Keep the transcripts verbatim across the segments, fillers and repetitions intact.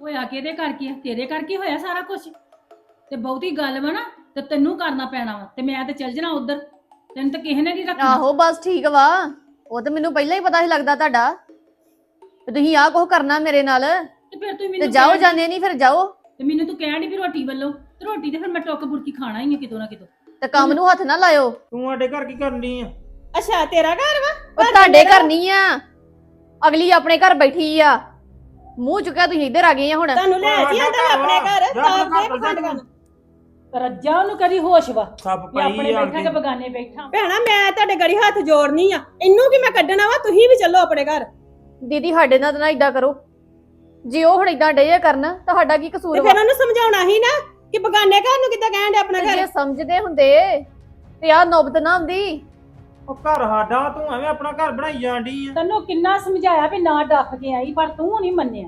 ਹੋਇਆ ਕਿਹਦੇ ਕਰਕੇ ਆ? ਤੇਰੇ ਕਰਕੇ ਹੋਇਆ ਸਾਰਾ ਕੁਝ। ਤੇ ਬਹੁਤੀ ਗੱਲ ਵਾ ਨਾ ਤੇ ਤੈਨੂੰ ਕਰਨਾ ਪੈਣਾ ਵਾ ਤੇ ਮੈਂ ਤੇ ਚੱਲ ਜਾਣਾ ਉਧਰ। ਤੈਨੂੰ ਤਾਂ ਕਿਸੇ ਨੇ ਨਹੀਂ ਰੱਖਣਾ। ਆਹੋ ਬਸ ਠੀਕ ਵਾ। ਉਹ ਤਾਂ ਮੈਨੂੰ ਪਹਿਲਾਂ ਹੀ ਪਤਾ ਸੀ ਲੱਗਦਾ ਤੁਹਾਡਾ ਤੇ ਤੁਸੀਂ ਆਹ ਕੁਝ ਕਰਨਾ ਮੇਰੇ ਨਾਲ। ਤੇ ਫਿਰ ਤੂੰ ਤੇ ਮੈਨੂੰ ਜਾਓ ਕਹਿ- ਜਾਂਦੇ ਨਹੀਂ ਫਿਰ ਜਾਓ। ਤੇ ਮੈਨੂੰ ਤੂੰ ਕਹਿਣ ਦੀ ਵੀ ਰੋਟੀ ਵੱਲੋਂ ਤੇ ਰੋਟੀ ਤੇ ਫਿਰ ਮੈਂ ਟੁੱਕ ਬੁਰਕੀ ਖਾਣਾ ਹੀ ਆ ਕਿਤੋਂ ਨਾ ਕਿਤੋਂ। ਤੇ ਕੰਮ ਨੂੰ ਹੱਥ ਨਾ ਲਾਇਓ। ਤੂੰ ਸਾਡੇ ਘਰ ਕੀ ਕਰਨੀ ਆ? ਅੱਛਾ ਤੇਰਾ ਘਰ ਵਾ? ਉਹ ਤੁਹਾਡੇ ਘਰ ਨਹੀਂ ਆ, ਅਗਲੀ ਆਪਣੇ ਘਰ ਬੈਠੀ ਆ। ਮੂੰਹ ਚੁੱਕਿਆ ਤੁਸੀਂ ਇੱਧਰ ਆ ਗਏ ਆ ਹੁਣ। ਤੁਹਾਨੂੰ ਲੈ ਜੀ ਆਂਦਾ ਆਪਣੇ ਘਰ ਜਾ ਤਾਂ ਆਪਣੇ ਦੇ ਘਰ ਪਖੰਡ ਜਾ। ਕਰਨ। ਰੱਜਾ ਉਹਨੂੰ ਕਦੀ ਹੋਸ਼ ਵਾ ਸੱਪ ਮੈਂ ਪਾਈ ਆਪਣੇ ਆ ਬੈਠਾ ਕਿ ਬਗਾਨੇ ਬੈਠਾ। ਭੈਣਾ ਮੈਂ ਤੁਹਾਡੇ ਗੜੀ ਹੱਥ ਜੋੜਨੀ ਆ, ਇਹਨੂੰ ਕੀ ਮੈਂ ਕੱਢਣਾ ਵਾ? ਤੁਸੀਂ ਵੀ ਚੱਲੋ ਆਪਣੇ ਘਰ। ਦੀਦੀ ਸਾਡੇ ਨਾਲ ਤਾਂ ਨਾ ਇਦਾਂ ਕਰੋ। ਜੇ ਉਹ ਹੁਣ ਇਦਾਂ ਡੇ ਕਰਨ ਤੁਹਾਡਾ ਕੀ ਕਸੂਰ ਤੇ ਵਾ? ਫਿਰ ਉਹਨੂੰ ਸਮਝਾਉਣਾ ਸੀ ਨਾ ਕਿ ਬਗਾਨੇ ਘਰ ਨੂੰ ਕਿੱਦਾਂ ਕਹਿਣ ਦੇ ਆਪਣਾ ਤੇ ਘਰ। ਜੇ ਸਮਝਦੇ ਹੁੰਦੇ ਤੇ ਆਹ ਨੌਬਤ ਨਾ ਆਉਂਦੀ। ਉਹ ਘਰ ਸਾਡਾ, ਤੂੰ ਐਵੇਂ ਆਪਣਾ ਘਰ ਬਣਾਈ ਜਾਂਦੀ ਆ। ਤੈਨੂੰ ਕਿੰਨਾ ਸਮਝਾਇਆ ਵੀ ਨਾ ਡੱਫ ਕੇ ਆਈ ਪਰ ਤੂੰ ਨਹੀਂ ਮੰਨਿਆ।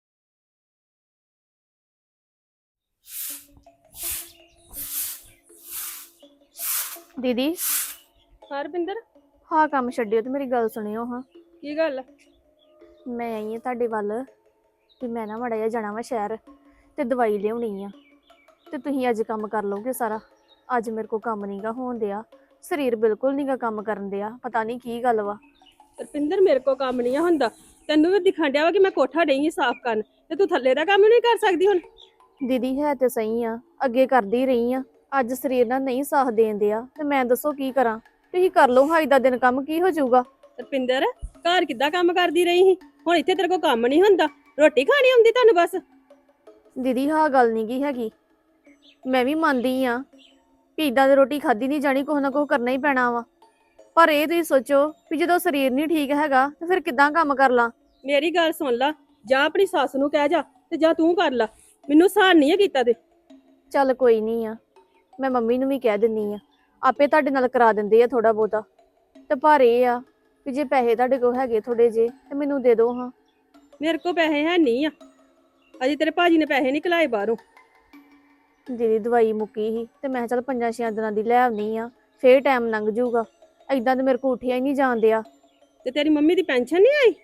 ਦੀਦੀ ਹਰਪਿੰਦਰ ਹਾਂ ਕੰਮ ਛੱਡਿਓ ਤੇ ਮੇਰੀ ਗੱਲ ਸੁਣਿਓ ਹਾਂ। ਕੀ ਗੱਲ? ਮੈਂ ਆਈ ਹਾਂ ਤੁਹਾਡੇ ਵੱਲ ਤੇ ਮੈਂ ਨਾ ਮਾੜਾ ਜਿਹਾ ਜਾਣਾ ਵਾ ਸ਼ਹਿਰ ਤੇ ਦਵਾਈ ਲਿਆਉਣੀ ਆ ਤੇ ਤੁਸੀਂ ਅੱਜ ਕੰਮ ਕਰ ਲਓਗੇ ਸਾਰਾ। ਅੱਜ ਮੇਰੇ ਕੋਲ ਕੰਮ ਨਹੀਂਗਾ ਹੋਣ ਦਿਆ, ਸਰੀਰ ਬਿਲਕੁਲ ਨਹੀਂਗਾ ਕੰਮ ਕਰਨ ਦਿਆ। ਪਤਾ ਨਹੀਂ ਕੀ ਗੱਲ ਵਾ। ਹਰਪਿੰਦਰ ਮੇਰੇ ਕੋ ਕੰਮ ਨਹੀਂ ਹੁੰਦਾ। ਤੈਨੂੰ ਵੀ ਦਿਖਣ ਡਿਆ ਵਾ ਕਿ ਮੈਂ ਕੋਠਾ ਡਈ ਸਾਫ਼ ਕਰਨ, ਤੇ ਤੂੰ ਥੱਲੇ ਦਾ ਕੰਮ ਨਹੀਂ ਕਰ ਸਕਦੀ ਹੁਣ? ਦੀਦੀ ਹੈ ਤੇ ਸਹੀ ਆ, ਅੱਗੇ ਕਰਦੀ ਰਹੀ ਆ। ਅੱਜ ਸਰੀਰ ਨਾਲ ਨਹੀਂ ਸਾਥ ਦੇਣ ਦਿਆ ਤੇ ਮੈਂ ਦੱਸੋ ਕੀ ਕਰਾਂ। ਤੁਸੀਂ ਕਰ ਲਓ ਹਾਂ ਦਾ ਦਿਨ ਕੰਮ, ਕੀ ਹੋ ਜਾਊਗਾ। ਹਰਪਿੰਦਰ ਘਰ ਕਿੱਦਾਂ ਕੰਮ ਕਰਦੀ ਰਹੀ ਸੀ, ਹੁਣ ਇੱਥੇ ਤੇਰੇ ਕੋ ਕੰਮ ਨਹੀਂ ਹੁੰਦਾ? ਰੋਟੀ ਖਾਣੀ ਆਉਂਦੀ ਤੁਹਾਨੂੰ ਬਸ? ਦੀਦੀ ਹਾਂ ਗੱਲ ਨਹੀਂ ਕੀ ਹੈਗੀ, ਮੈਂ ਵੀ ਮੰਨਦੀ ਆ ਵੀ ਇਦਾਂ ਦੀ ਰੋਟੀ ਖਾਦੀ ਨਹੀਂ ਜਾਣੀ, ਕੁਛ ਨਾ ਕੁਛ ਕਰਨਾ ਹੀ ਪੈਣਾ ਵਾ। ਪਰ ਇਹ ਤੁਸੀਂ ਸੋਚੋ ਵੀ ਜਦੋਂ ਸਰੀਰ ਨਹੀਂ ਠੀਕ ਹੈਗਾ ਤੇ ਫਿਰ ਕਿੱਦਾਂ ਕੰਮ ਕਰ ਲਾਂ। ਮੇਰੀ ਗੱਲ ਸੁਣ ਲਾ, ਜਾਂ ਆਪਣੀ ਸੱਸ ਨੂੰ ਕਹਿ ਜਾ ਤੇ ਜਾਂ ਤੂੰ ਕਰ ਲਾ। ਮੈਨੂੰ ਸਹਾਨ ਨਹੀਂ ਹੈ ਕੀਤਾ ਤੇ। ਚੱਲ ਕੋਈ ਨਹੀਂ ਆ, ਮੈਂ ਮੰਮੀ ਨੂੰ ਵੀ ਕਹਿ ਦਿੰਨੀ ਆ, ਆਪੇ ਤੁਹਾਡੇ ਨਾਲ ਕਰਾ ਦਿੰਦੇ ਆ ਥੋੜਾ ਬਹੁਤਾ। ਤੇ ਪਰ ਇਹ ਆ ਵੀ ਜੇ ਪੈਸੇ ਤੁਹਾਡੇ ਕੋਲ ਹੈਗੇ ਥੋੜੇ ਜੇ ਤੇ ਮੈਨੂੰ ਦੇ ਦਿਓ ਹਾਂ। ਮੇਰੇ ਕੋ ਪੈਸੇ ਹੈ ਨਹੀਂ ਆ, ਅਜੇ ਤੇਰੇ ਭਾਜੀ ਨੇ ਪੈਸੇ ਨਹੀਂ ਕਲਾਏ ਬਾਹਰੋਂ। ਦੀਦੀ ਦਵਾਈ ਮੁੱਕੀ ਸੀ ਤੇ ਮੈਂ ਚੱਲ ਪੰਜਾਂ ਛੇ ਦਿਨਾਂ ਦੀ ਲੈ ਆਉਣੀ ਆ, ਫੇਰ ਟਾਈਮ ਲੰਘ ਜਾਊਗਾ। ਏਦਾਂ ਤੇ ਮੇਰੇ ਕੋਲ ਉੱਠਿਆ ਹੀ ਨਹੀਂ ਜਾਂਦਿਆ। ਤੇ ਤੇਰੀ ਮੰਮੀ ਦੀ ਪੈਨਸ਼ਨ ਨਹੀਂ ਆਈ?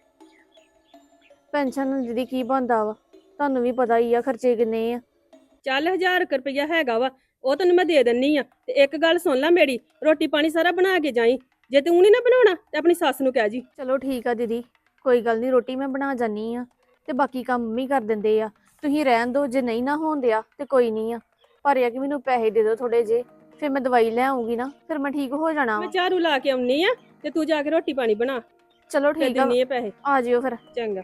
ਪੈਨਸ਼ਨ ਦੀਦੀ ਕੀ ਬਣਦਾ ਵਾ, ਤੁਹਾਨੂੰ ਵੀ ਪਤਾ ਹੀ ਆ ਖਰਚੇ ਕਿੰਨੇ ਆ। ਚੱਲ ਹਜ਼ਾਰ ਕੁ ਰੁਪਈਆ ਹੈਗਾ ਵਾ, ਉਹ ਤੈਨੂੰ ਮੈਂ ਦੇ ਦਿੰਨੀ ਆ। ਤੇ ਇੱਕ ਗੱਲ ਸੁਣ ਲੈ ਮੇਰੀ, ਰੋਟੀ ਪਾਣੀ ਸਾਰਾ ਬਣਾ ਕੇ ਜਾਈ। ਜੇ ਤੂੰ ਨਹੀਂ ਨਾ ਬਣਾਉਣਾ ਤੇ ਆਪਣੀ ਸੱਸ ਨੂੰ ਕਹਿ ਜੀ। ਚਲੋ ਠੀਕ ਆ ਦੀਦੀ, ਕੋਈ ਗੱਲ ਨਹੀਂ, ਰੋਟੀ ਮੈਂ ਬਣਾ ਜਾਨੀ ਆ ਤੇ ਬਾਕੀ ਕੰਮ ਮੰਮੀ ਕਰ ਦਿੰਦੇ ਆ। ਤੁਸੀਂ ਰਹਿਣ ਦਿਓ, ਜੇ ਨਹੀਂ ਨਾ ਹੋਣ ਦਿਆ ਤੇ ਕੋਈ ਨਹੀਂ ਆ। ਪਰ ਇਹ ਆ ਕਿ ਮੈਨੂੰ ਪੈਸੇ ਦੇ ਦਿਓ ਥੋੜੇ ਜੇ, ਫਿਰ ਮੈਂ ਦਵਾਈ ਲੈ ਆਉਂਗੀ ਨਾ, ਫਿਰ ਮੈਂ ਠੀਕ ਹੋ ਜਾਣਾ ਮੈਂ ਵਾ। ਝਾੜੂ ਲਾ ਕੇ ਆਉਣੀ ਆ ਤੇ ਤੂੰ ਜਾ ਕੇ ਰੋਟੀ ਪਾਣੀ ਬਣਾ, ਚਲੋ ਫਿਰ ਠੀਕ ਆ, ਦਿੰਨੀ ਆ ਪੈਸੇ। ਆ ਜਿਓ ਫਿਰ। ਚੰਗਾ।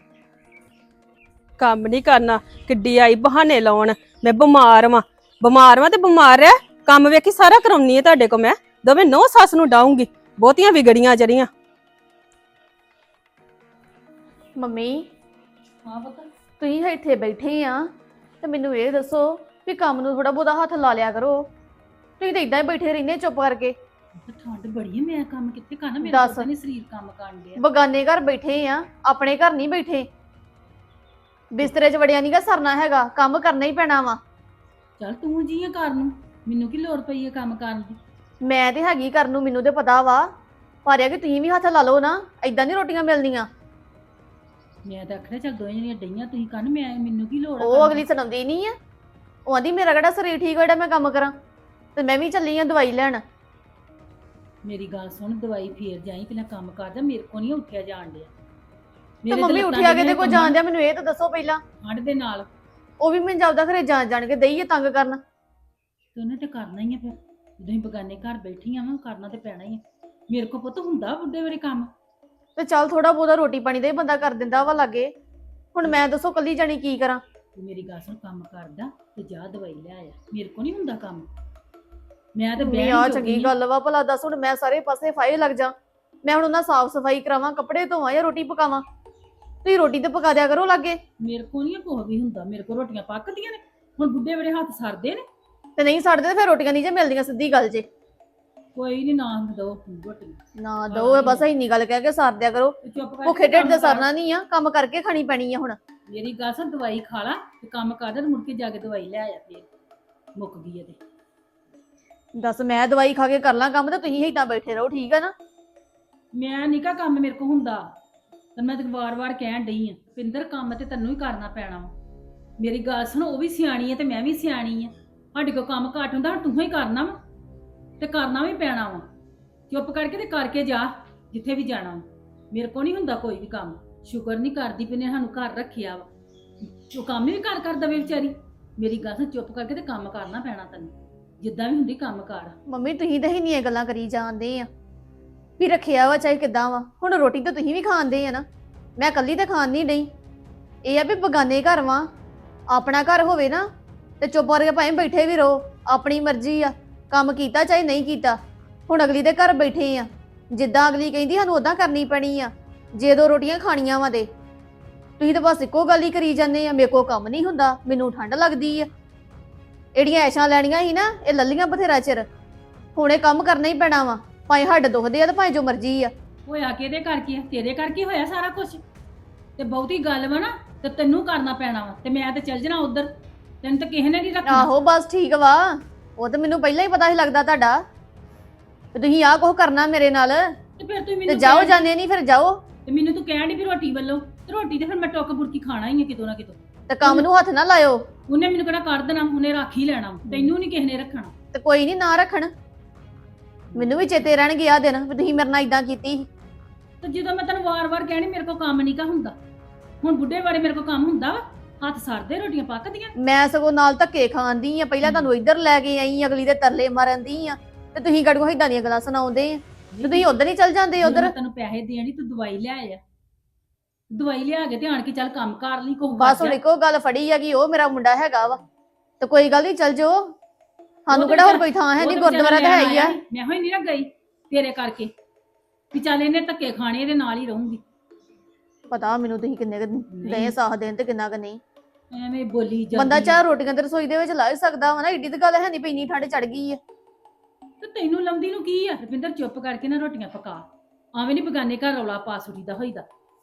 ਕੰਮ ਨਹੀਂ ਕਰਨਾ, ਕਿੱਡੀ ਆਈ ਬਹਾਨੇ ਲਾਉਣ। ਮੈਂ ਬਿਮਾਰ ਵਾਂ, ਬਿਮਾਰ ਵਾਂ ਤੇ ਬਿਮਾਰ ਰਹਿ। ਕੰਮ ਵੇਖੀ ਸਾਰਾ ਕਰਾਉਣੀ ਆ ਤੁਹਾਡੇ ਕੋ ਮੈਂ। ਦੋਵੇਂ ਨੌ ਸੱਸ ਨੂੰ ਡਾਉਂਗੀ, ਬਹੁਤੀਆਂ ਵਿਗੜੀਆਂ ਜਰੀਆਂ। ਮੰਮੀ ਹਾਂ ਪੁੱਤ। ਤੁਸੀਂ ਇੱਥੇ ਬੈਠੇ ਆ ਤੇ ਮੈਨੂੰ ਇਹ ਦੱਸੋ ਵੀ ਕੰਮ ਨੂੰ ਥੋੜਾ ਬਹੁਤਾ ਹੱਥ ਲਾ ਲਿਆ ਕਰੋ। ਤੁਸੀਂ ਤਾਂ ਇਦਾਂ ਹੀ ਬੈਠੇ ਰਹਿੰਦੇ ਚੁੱਪ ਕਰਕੇ। ਠੰਡ ਬੜੀ ਹੈ, ਮੈਂ ਕੰਮ ਕਿੱਥੇ ਕਰਨਾ, ਮੇਰਾ ਦੱਸ। ਪਤਾ ਨਹੀਂ ਸਰੀਰ ਕੰਮ ਕਰਨ ਡਿਆ। ਬਗਾਨੇ ਘਰ ਬੈਠੇ ਆ, ਆਪਣੇ ਘਰ ਨਹੀਂ ਬੈਠੇ। ਬਿਸਤਰੇ 'ਚ ਵੜਿਆ ਨਹੀਂਗਾ ਸਰਨਾ ਹੈਗਾ, ਕੰਮ ਕਰਨਾ ਹੀ ਪੈਣਾ ਵਾ। ਚੱਲ ਤੂੰ ਜੀ ਆ ਕਰਨ ਨੂੰ, ਮੈਨੂੰ ਕੀ ਲੋੜ ਪਈ ਹੈ ਕੰਮ ਕਰਨ ਦੀ। ਮੈਂ ਤੇ ਹੈਗੀ ਕਰਨ ਨੂੰ, ਮੈਨੂੰ ਤੇ ਪਤਾ ਵਾ। ਪਰ ਇਹ ਕਿ ਤੁਸੀਂ ਵੀ ਹੱਥ ਲਾ ਲਓ ਨਾ, ਏਦਾਂ ਨਹੀਂ ਰੋਟੀਆਂ ਮਿਲਦੀਆਂ। ਮੈਂ ਤਾਂ ਆਖਿਆ ਚੱਲ ਦੋਵੇਂ ਜਣੀਆਂ ਡਈਆਂ ਤੁਸੀਂ ਕਰਨ, ਮੈਂ ਮੈਨੂੰ ਕੀ ਲੋੜ ਆ ਉਹ ਕਰਨ ਅਗਲੀ ਦੀ। ਸੁਣਾਉਂਦੀ ਨਹੀਂ ਆ, ਉਹ ਆਂਦੀ ਮੇਰਾ ਕਿਹੜਾ ਸਰੀਰ ਠੀਕ ਹੋਇਆ ਮੈਂ ਕੰਮ ਕਰਾਂ। ਤੇ ਮੈਂ ਵੀ ਚੱਲੀ ਆ ਦਵਾਈ ਲੈਣ। ਮੇਰੀ ਗੱਲ ਸੁਣ, ਦਵਾਈ ਫੇਰ ਜਾਈ, ਪਹਿਲਾਂ ਕੰਮ ਕਰ ਜਾ, ਮੇਰੇ ਕੋ ਨਹੀਂ ਉੱਠਿਆ ਜਾਣ ਡਿਆ। ਤੇ ਮੰਮੀ ਉੱਠਿਆ ਕਿਤੇ ਕੋਈ ਜਾਣ ਦਿਆ, ਮੈਨੂੰ ਇਹ ਤਾਂ ਦੱਸੋ ਪਹਿਲਾਂ। ਠੰਡ ਦੇ ਨਾਲ ਉਹ ਵੀ ਮੈਨੂੰ ਜਾਪਦਾ ਖਰੇ ਜਾਣ ਜਾਣ ਕੇ ਦਈਏ ਤੰਗ ਕਰਨ। ਤੇ ਉਹਨੇ ਤੇ ਕਰਨਾ ਹੀ ਆ, ਫਿਰ ਜਦੋਂ ਹੀ ਬਗਾਨੇ ਘਰ ਬੈਠੀਆਂ ਵਾ ਕਰਨਾ ਤੇ ਪੈਣਾ ਹੀ ਆ। ਮੇਰੇ ਕੋ ਪੁੱਤ ਹੁੰਦਾ ਬੁੱਢੇ ਵੇਲੇ ਕੰਮ। ਤੇ ਚੱਲ ਥੋੜਾ ਬਹੁਤਾ ਰੋਟੀ ਪਾਣੀ ਦਾ ਹੀ ਬੰਦਾ ਕਰ ਦਿੰਦਾ ਵਾ ਲਾਗੇ। ਹੁਣ ਮੈਂ ਦੱਸੋ ਕੱਲੀ ਜਾਣੀ ਕੀ ਕਰਾਂ। ਤੂੰ ਮੇਰੀ ਗੱਲ ਸੁਣ, ਕੰਮ ਕਰਦਾ ਤੇ ਜਾ ਦਵਾਈ ਲੈ ਆਇਆ, ਮੇਰੇ ਕੋ ਨਹੀਂ ਹੁੰਦਾ ਕੰਮ। ਮੈਂ ਤੇ ਮੰਮੀ ਬਹਿ ਆ ਨਹੀਂ ਚੰਗੀ ਚੁੱਕੀ ਗੱਲ ਵਾ, ਭਲਾ ਦੱਸ ਹੁਣ ਮੈਂ ਸਾਰੇ ਪਾਸੇ ਫਾਇਲ ਲੱਗ ਜਾ। ਮੈਂ ਹੁਣ ਉਹਨਾਂ ਸਾਫ਼ ਸਫਾਈ ਕਰਾਵਾਂ, ਕੱਪੜੇ ਧੋਵਾਂ ਜਾਂ ਰੋਟੀ ਪਕਾਵਾਂ। ਤੁਸੀਂ ਰੋਟੀ ਤੇ ਪਕਾ ਦਿਆ ਕਰੋ ਲਾਗੇ। ਮੇਰੇ ਕੋ ਨਹੀਂ ਕੁਛ ਵੀ ਹੁੰਦਾ, ਮੇਰੇ ਕੋ ਰੋਟੀਆਂ ਪੱਕਦੀਆਂ ਨੇ। ਹੁਣ ਬੁੱਢੇ ਵੇਲੇ ਹੱਥ ਸਰਦੇ ਨੇ। ਤੇ ਨਹੀਂ ਛੱਡਦੇ ਤੇ ਫਿਰ ਰੋਟੀਆਂ ਨਹੀਂ ਜੇ ਮਿਲਦੀਆਂ, ਸਿੱਧੀ ਗੱਲ ਜੇ। ਕੋਈ ਨਹੀਂ, ਨਾ ਦੋ ਰੋਟੀਆਂ ਨਾ ਦੋ ਬਸ ਇੰਨੀ ਗੱਲ ਕਹਿ ਕੇ ਸਾਰ ਦਿਆ ਕਰੋ। ਚੁੱਪ ਕਰਕੇ ਭੁੱਖੇ ਢਿੱਡ ਕੰਮ ਤੇ ਕਰ। ਸਰਨਾ ਨਹੀਂ ਆ, ਕੰਮ ਕਰਕੇ ਖਾਣੀ ਪੈਣੀ ਆ ਹੁਣ। ਮੇਰੀ ਗੱਲ ਸੁਣ, ਦਵਾਈ ਖਾ ਲਾ ਤੇ ਕੰਮ ਕਰ ਦੇ, ਮੁੜ ਕੇ ਜਾ ਕੇ ਦਵਾਈ ਲੈ ਆਇਆ, ਫੇਰ ਮੁੱਕ ਗਈ ਹੈ ਤੇ। ਦੱਸ ਮੈਂ ਦਵਾਈ ਖਾ ਕੇ ਕਰ ਲਾਂ ਕੰਮ ਤੇ ਤੁਸੀਂ ਏਦਾਂ ਬੈਠੇ ਰਹੋ, ਠੀਕ ਆ ਨਾ। ਮੈਂ ਨਿੱਕਾ ਕੰਮ ਮੇਰੇ ਕੋ ਹੁੰਦਾ, ਤੇ ਮੈਂ ਤੇ ਵਾਰ-ਵਾਰ ਕਹਿਣ ਡਈ ਆ, ਪਿੰਦਰ ਕੰਮ ਤੇ ਤੈਨੂੰ ਹੀ ਕਰਨਾ ਪੈਣਾ ਵਾ। ਮੇਰੀ ਗੱਲ ਸੁਣ, ਉਹ ਵੀ ਸਿਆਣੀ ਹੈ ਤੇ ਮੈਂ ਵੀ ਸਿਆਣੀ ਆ। ਸਾਡੇ ਕੋਲ ਕੰਮ ਘੱਟ ਹੁੰਦਾ, ਹੁਣ ਤੂੰ ਹੀ ਕਰਨਾ ਵਾ ਤੇ ਕਰਨਾ ਵੀ ਪੈਣਾ ਵਾ। ਚੁੱਪ ਕਰਕੇ ਤੇ ਕਰਕੇ ਜਾ ਜਿੱਥੇ ਵੀ ਜਾਣਾ ਵਾ। ਮੇਰੇ ਕੋਲ ਨਹੀਂ ਹੁੰਦਾ ਕੋਈ ਵੀ ਕੰਮ। ਸ਼ੁਕਰ ਨਹੀਂ ਕਰਦੀ ਵੀ ਨੇ ਸਾਨੂੰ ਘਰ ਰੱਖਿਆ ਵਾ। ਉਹ ਕੰਮ ਵੀ ਕਰ ਕਰ ਦਵੇ ਵਿਚਾਰੀ। ਮੇਰੀ ਗੱਲ ਸੁਣ, ਚੁੱਪ ਕਰਕੇ ਤੇ ਕੰਮ ਕਰਨਾ ਪੈਣਾ ਤੈਨੂੰ, ਜਿੱਦਾਂ ਵੀ ਹੁੰਦੀ ਕੰਮ ਕਰ। ਮੰਮੀ ਤੁਸੀਂ ਤਾਂ ਇੰਨੀਆਂ ਗੱਲਾਂ ਕਰੀ ਜਾਂਦੇ ਆ ਵੀ ਰੱਖਿਆ ਵਾ ਚਾਹੇ ਕਿੱਦਾਂ ਵਾ। ਹੁਣ ਰੋਟੀ ਤਾਂ ਤੁਸੀਂ ਵੀ ਖਾਂਦੇ ਆ ਨਾ, ਮੈਂ ਇਕੱਲੀ ਤਾਂ ਖਾਣ ਨਹੀਂ ਡਈ। ਇਹ ਆ ਵੀ ਬਗਾਨੇ ਘਰ ਵਾਂ, ਆਪਣਾ ਘਰ ਹੋਵੇ ਨਾ ਤੇ ਚੁੱਪ ਕਰਕੇ ਭਾਵੇਂ ਬੈਠੇ ਵੀ ਰਹੋ, ਆਪਣੀ ਮਰਜ਼ੀ ਆ, ਕੰਮ ਕੀਤਾ ਚਾਹੇ ਨਹੀਂ ਕੀਤਾ। ਹੁਣ ਅਗਲੀ ਦੇ ਘਰ ਬੈਠੇ ਆ, ਜਿੱਦਾਂ ਅਗਲੀ ਕਹਿੰਦੀ ਸਾਨੂੰ ਉਦਾਂ ਕਰਨੀ ਪੈਣੀ ਆ। ਜੇ ਦੋ ਰੋਟੀਆਂ ਖਾਣੀਆਂ ਵਾ ਦੇ ਤੁਸੀਂ ਤਾਂ ਬਸ ਇੱਕੋ ਗੱਲ ਹੀ ਕਰੀ ਜਾਂਦੇ ਆ, ਮੇਰੇ ਕੋਲ ਕੰਮ ਨਹੀਂ ਹੁੰਦਾ, ਮੈਨੂੰ ਠੰਡ ਲੱਗਦੀ ਆ। ਇਹੜੀਆਂ ਐਸ਼ਾਂ ਲੈਣੀਆਂ ਸੀ ਨਾ, ਇਹ ਲੱਲੀਆਂ ਬਥੇਰਾ ਚਿਰ। ਹੁਣ ਇਹ ਕੰਮ ਕਰਨਾ ਹੀ ਪੈਣਾ ਵਾ, ਭਾਵੇਂ ਹੱਡ ਦੁਖਦੇ ਆ ਤੇ ਭਾਵੇਂ ਜੋ ਮਰਜ਼ੀ ਆ। ਹੋਇਆ ਕਿਹਦੇ ਕਰਕੇ ਆ? ਤੇਰੇ ਕਰਕੇ ਹੋਇਆ ਸਾਰਾ ਕੁਝ। ਤੇ ਬਹੁਤੀ ਗੱਲ ਵਾ ਨਾ ਤੇ ਤੈਨੂੰ ਕਰਨਾ ਪੈਣਾ ਵਾ, ਤੇ ਮੈਂ ਤੇ ਚੱਲ ਜਾਣਾ ਉਧਰ। ਤੈਨੂੰ ਤਾਂ ਕਿਸੇ ਨੇ ਨਹੀਂ ਰੱਖਣਾ। ਆਹੋ ਬਸ ਠੀਕ ਵਾ, ਉਹ ਤਾਂ ਮੈਨੂੰ ਪਹਿਲਾਂ ਹੀ ਪਤਾ ਸੀ ਲੱਗਦਾ ਤੁਹਾਡਾ ਤੇ ਤੁਸੀਂ ਆਹ ਕੁਝ ਕਰਨਾ ਮੇਰੇ ਨਾਲ। ਤੇ ਫਿਰ ਤੂੰ ਤੇ ਮੈਨੂੰ ਜਾਓ ਕਹਿਣ- ਜਾਂਦੇ ਨਹੀਂ ਫਿਰ ਜਾਓ। ਤੇ ਮੈਨੂੰ ਤੂੰ ਕਹਿਣ ਦੀ ਵੀ ਰੋਟੀ ਵੱਲੋਂ, ਤੇ ਰੋਟੀ ਤੇ ਫਿਰ ਮੈਂ ਟੁੱਕ ਬੁਰਕੀ ਖਾਣਾ ਹੀ ਆ ਕਿਤੋਂ ਨਾ ਕਿਤੋਂ। ਤੇ ਕੰਮ ਨੂੰ ਹੱਥ ਨਾ ਲਾਇਓ। ਉਹਨੇ ਮੈਨੂੰ ਕਿਹੜਾ ਕਰ ਦੇਣਾ, ਉਹਨੇ ਰੱਖ ਹੀ ਲੈਣਾ ਵਾ। ਤੈਨੂੰ ਨਹੀਂ ਕਿਸੇ ਨੇ ਰੱਖਣਾ। ਤੇ ਕੋਈ ਨਹੀਂ ਨਾ ਰੱਖਣ, ਮੈਨੂੰ ਵੀ ਚੇਤੇ ਰਹਿਣਗੇ ਆ ਦਿਨ ਵੀ ਤੁਸੀਂ ਮੇਰੇ ਨਾਲ ਇਦਾਂ ਕੀਤੀ ਸੀ। ਤੇ ਜਦੋਂ ਮੈਂ ਤੈਨੂੰ ਵਾਰ-ਵਾਰ ਕਹਿਣੀ ਮੇਰੇ ਕੋਲ ਕੰਮ ਨਹੀਂ ਕਾ ਹੁੰਦਾ, ਹੁਣ ਬੁੱਢੇ ਵਾਲੇ ਮੇਰੇ ਕੋਲ ਕੰਮ ਹੁੰਦਾ ਵਾ? ਹੱਥ ਸਰਦੇ, ਰੋਟੀਆਂ ਪੱਕਦੀਆਂ। ਮੈਂ ਸਗੋਂ ਨਾਲ ਧੱਕੇ ਖਾਂਦੀ ਆ, ਪਹਿਲਾਂ ਤੁਹਾਨੂੰ ਇੱਧਰ ਲੈ ਕੇ ਆਈ, ਅਗਲੀ ਦੇ ਤਰਲੇ ਮਾਰਨ ਦੀ ਆ, ਤੇ ਤੁਸੀਂ ਗੜਗੋ ਇਦਾਂ ਦੀਆਂ ਗੱਲਾਂ ਸੁਣਾਉਂਦੇ ਆ ਤੇ ਤੁਸੀਂ ਉਧਰ ਹੀ ਚੱਲ ਜਾਂਦੇ ਜਦੋਂ ਉਧਰ। ਮੈਂ ਤੈਨੂੰ ਪੈਸੇ ਦੇਣੀ, ਤੂੰ ਦਵਾਈ ਲਿਆ ਆ। ਦਵਾਈ ਲਿਆ ਕੇ ਤੇ ਆਣ ਕੇ ਚੱਲ ਕੰਮ ਕਰ ਲਈ ਕੋਹ। ਬਸ ਹੁਣ ਇੱਕੋ ਗੱਲ ਫੜੀ ਹੈਗੀ, ਉਹ ਮੇਰਾ ਮੁੰਡਾ ਹੈਗਾ ਵਾ ਤੇ ਕੋਈ ਗੱਲ ਨਹੀਂ ਚੱਲ ਜਾਓ। ਸਾਨੂੰ ਕਿਹੜਾ ਹੋਰ ਕੋਈ ਥਾਂ ਹੈ ਨਹੀਂ, ਗੁਰਦੁਆਰਾ ਤਾਂ ਹੈ ਹੀ ਆ। ਮੈਂ ਹੋਈ ਨਹੀਂ ਨਾ ਗਈ ਤੇਰੇ ਕਰਕੇ ਵੀ ਚੱਲ ਇਹਨੇ ਧੱਕੇ ਖਾਣੇ, ਇਹਦੇ ਨਾਲ ਹੀ ਰਹੂੰਗੀ। ਪਤਾ ਮੈਨੂੰ ਤੁਸੀਂ ਕਿੰਨੇ ਦੇ ਸਾਹ ਦੇਣ ਤੇ ਕਿੰਨਾ ਕੁ ਨਹੀਂ। ਐਵੇਂ ਬੋਲੀ ਜਾਂਦੀ ਬੰਦਾ ਚਾਹ ਰੋਟੀਆਂ ਤੇ ਰਸੋਈ ਦੇ ਵਿੱਚ ਲਾ ਹੀ ਸਕਦਾ ਵਾ ਨਾ, ਏਡੀ ਤਾਂ ਗੱਲ ਹੈ ਨਹੀਂ, ਪਈ ਇੰਨੀ ਠੰਡ ਚੜ ਗਈ ਆ। ਤੇ ਤੈਨੂੰ ਲੰਦੀ ਨੂੰ ਕੀ ਆ? ਰਵਿੰਦਰ ਚੁੱਪ ਕਰਕੇ ਨਾ ਰੋਟੀਆਂ ਪਕਾ, ਆਵੇਂ ਨਹੀਂ ਬਗਾਨੇ ਘਰ ਰੌਲਾ ਪਾ ਸੁਰੀ ਦਾ ਹੋਈਦਾ।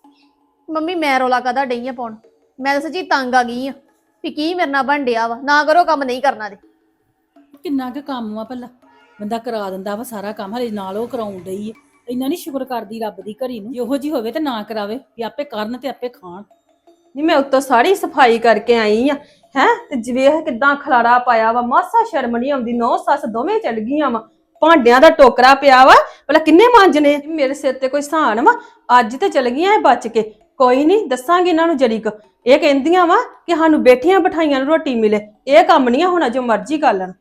ਮੰਮੀ ਮੈਂ ਰੋਲਾ ਕਾਦਾ ਡਈ ਆ ਪਾਉਣ? ਮੈਂ ਤਾਂ ਸੱਚੀ ਤੰਗ ਆ ਗਈ ਆ ਵੀ ਕੀ ਮੇਰੇ ਨਾਲ ਬਣ ਡਿਆ ਵਾ। ਨਾ ਕਰੋ ਕੰਮ, ਨਹੀਂ ਕਰਨਾ ਦੇ। ਕਿੰਨਾ ਕੁ ਕੰਮ ਆ ਭਲਾ, ਬੰਦਾ ਕਰਾ ਦਿੰਦਾ ਵਾ ਸਾਰਾ ਕੰਮ, ਹਲੇ ਨਾਲ ਉਹ ਕਰਾਉਣ ਡਈ ਆ। ਇੰਨਾ ਨਹੀਂ ਸ਼ੁਕਰ ਕਰਦੀ ਰੱਬ ਦੀ ਘੜੀ ਨੂੰ, ਇਹੋ ਜੀ ਹੋਵੇ ਤੇ ਨਾ ਕਰਾਵੇ, ਵੀ ਆਪੇ ਕਰਨ ਤੇ ਆਪੇ ਖਾਣ। ਨਹੀਂ ਮੈਂ ਉੱਤੋਂ ਸਾਰੀ ਸਫਾਈ ਕਰਕੇ ਆਈ ਆ ਹੈ, ਤੇ ਜਿਵੇਂ ਕਿਦਾਂ ਖਲਾਰਾ ਪਾਇਆ ਵਾ, ਮਾਸਾ ਸ਼ਰਮ ਨਹੀਂ ਆਉਂਦੀ। ਨੌ ਸੱਸ ਦੋਵੇਂ ਚਲ ਗਈਆਂ ਵਾ, ਭਾਂਡਿਆਂ ਦਾ ਟੋਕਰਾ ਪਿਆ ਵਾ, ਭਲਾ ਕਿੰਨੇ ਮਾਂਜਣੇ? ਮੇਰੇ ਸਿਰ ਤੇ ਕੋਈ ਸਹਾਨ ਵਾ? ਅੱਜ ਤੇ ਚਲ ਗਈਆਂ ਇਹ ਬਚ ਕੇ। ਕੋਈ ਨਹੀਂ, ਦੱਸਾਂਗੇ ਇਹਨਾਂ ਨੂੰ ਜਰੀਕ। ਇਹ ਕਹਿੰਦੀਆਂ ਵਾ ਕਿ ਸਾਨੂੰ ਬੈਠੀਆਂ ਬਿਠਾਈਆਂ ਨੂੰ ਰੋਟੀ ਮਿਲੇ। ਇਹ ਕੰਮ ਨਹੀਂ ਹੋਣਾ, ਜੋ ਮਰਜ਼ੀ ਕਰ ਲੈਣ।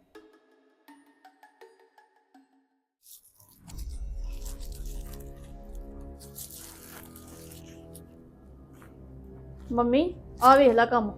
ਮੰਮੀ ਆ ਵੇਖ ਲੈ ਕੰਮ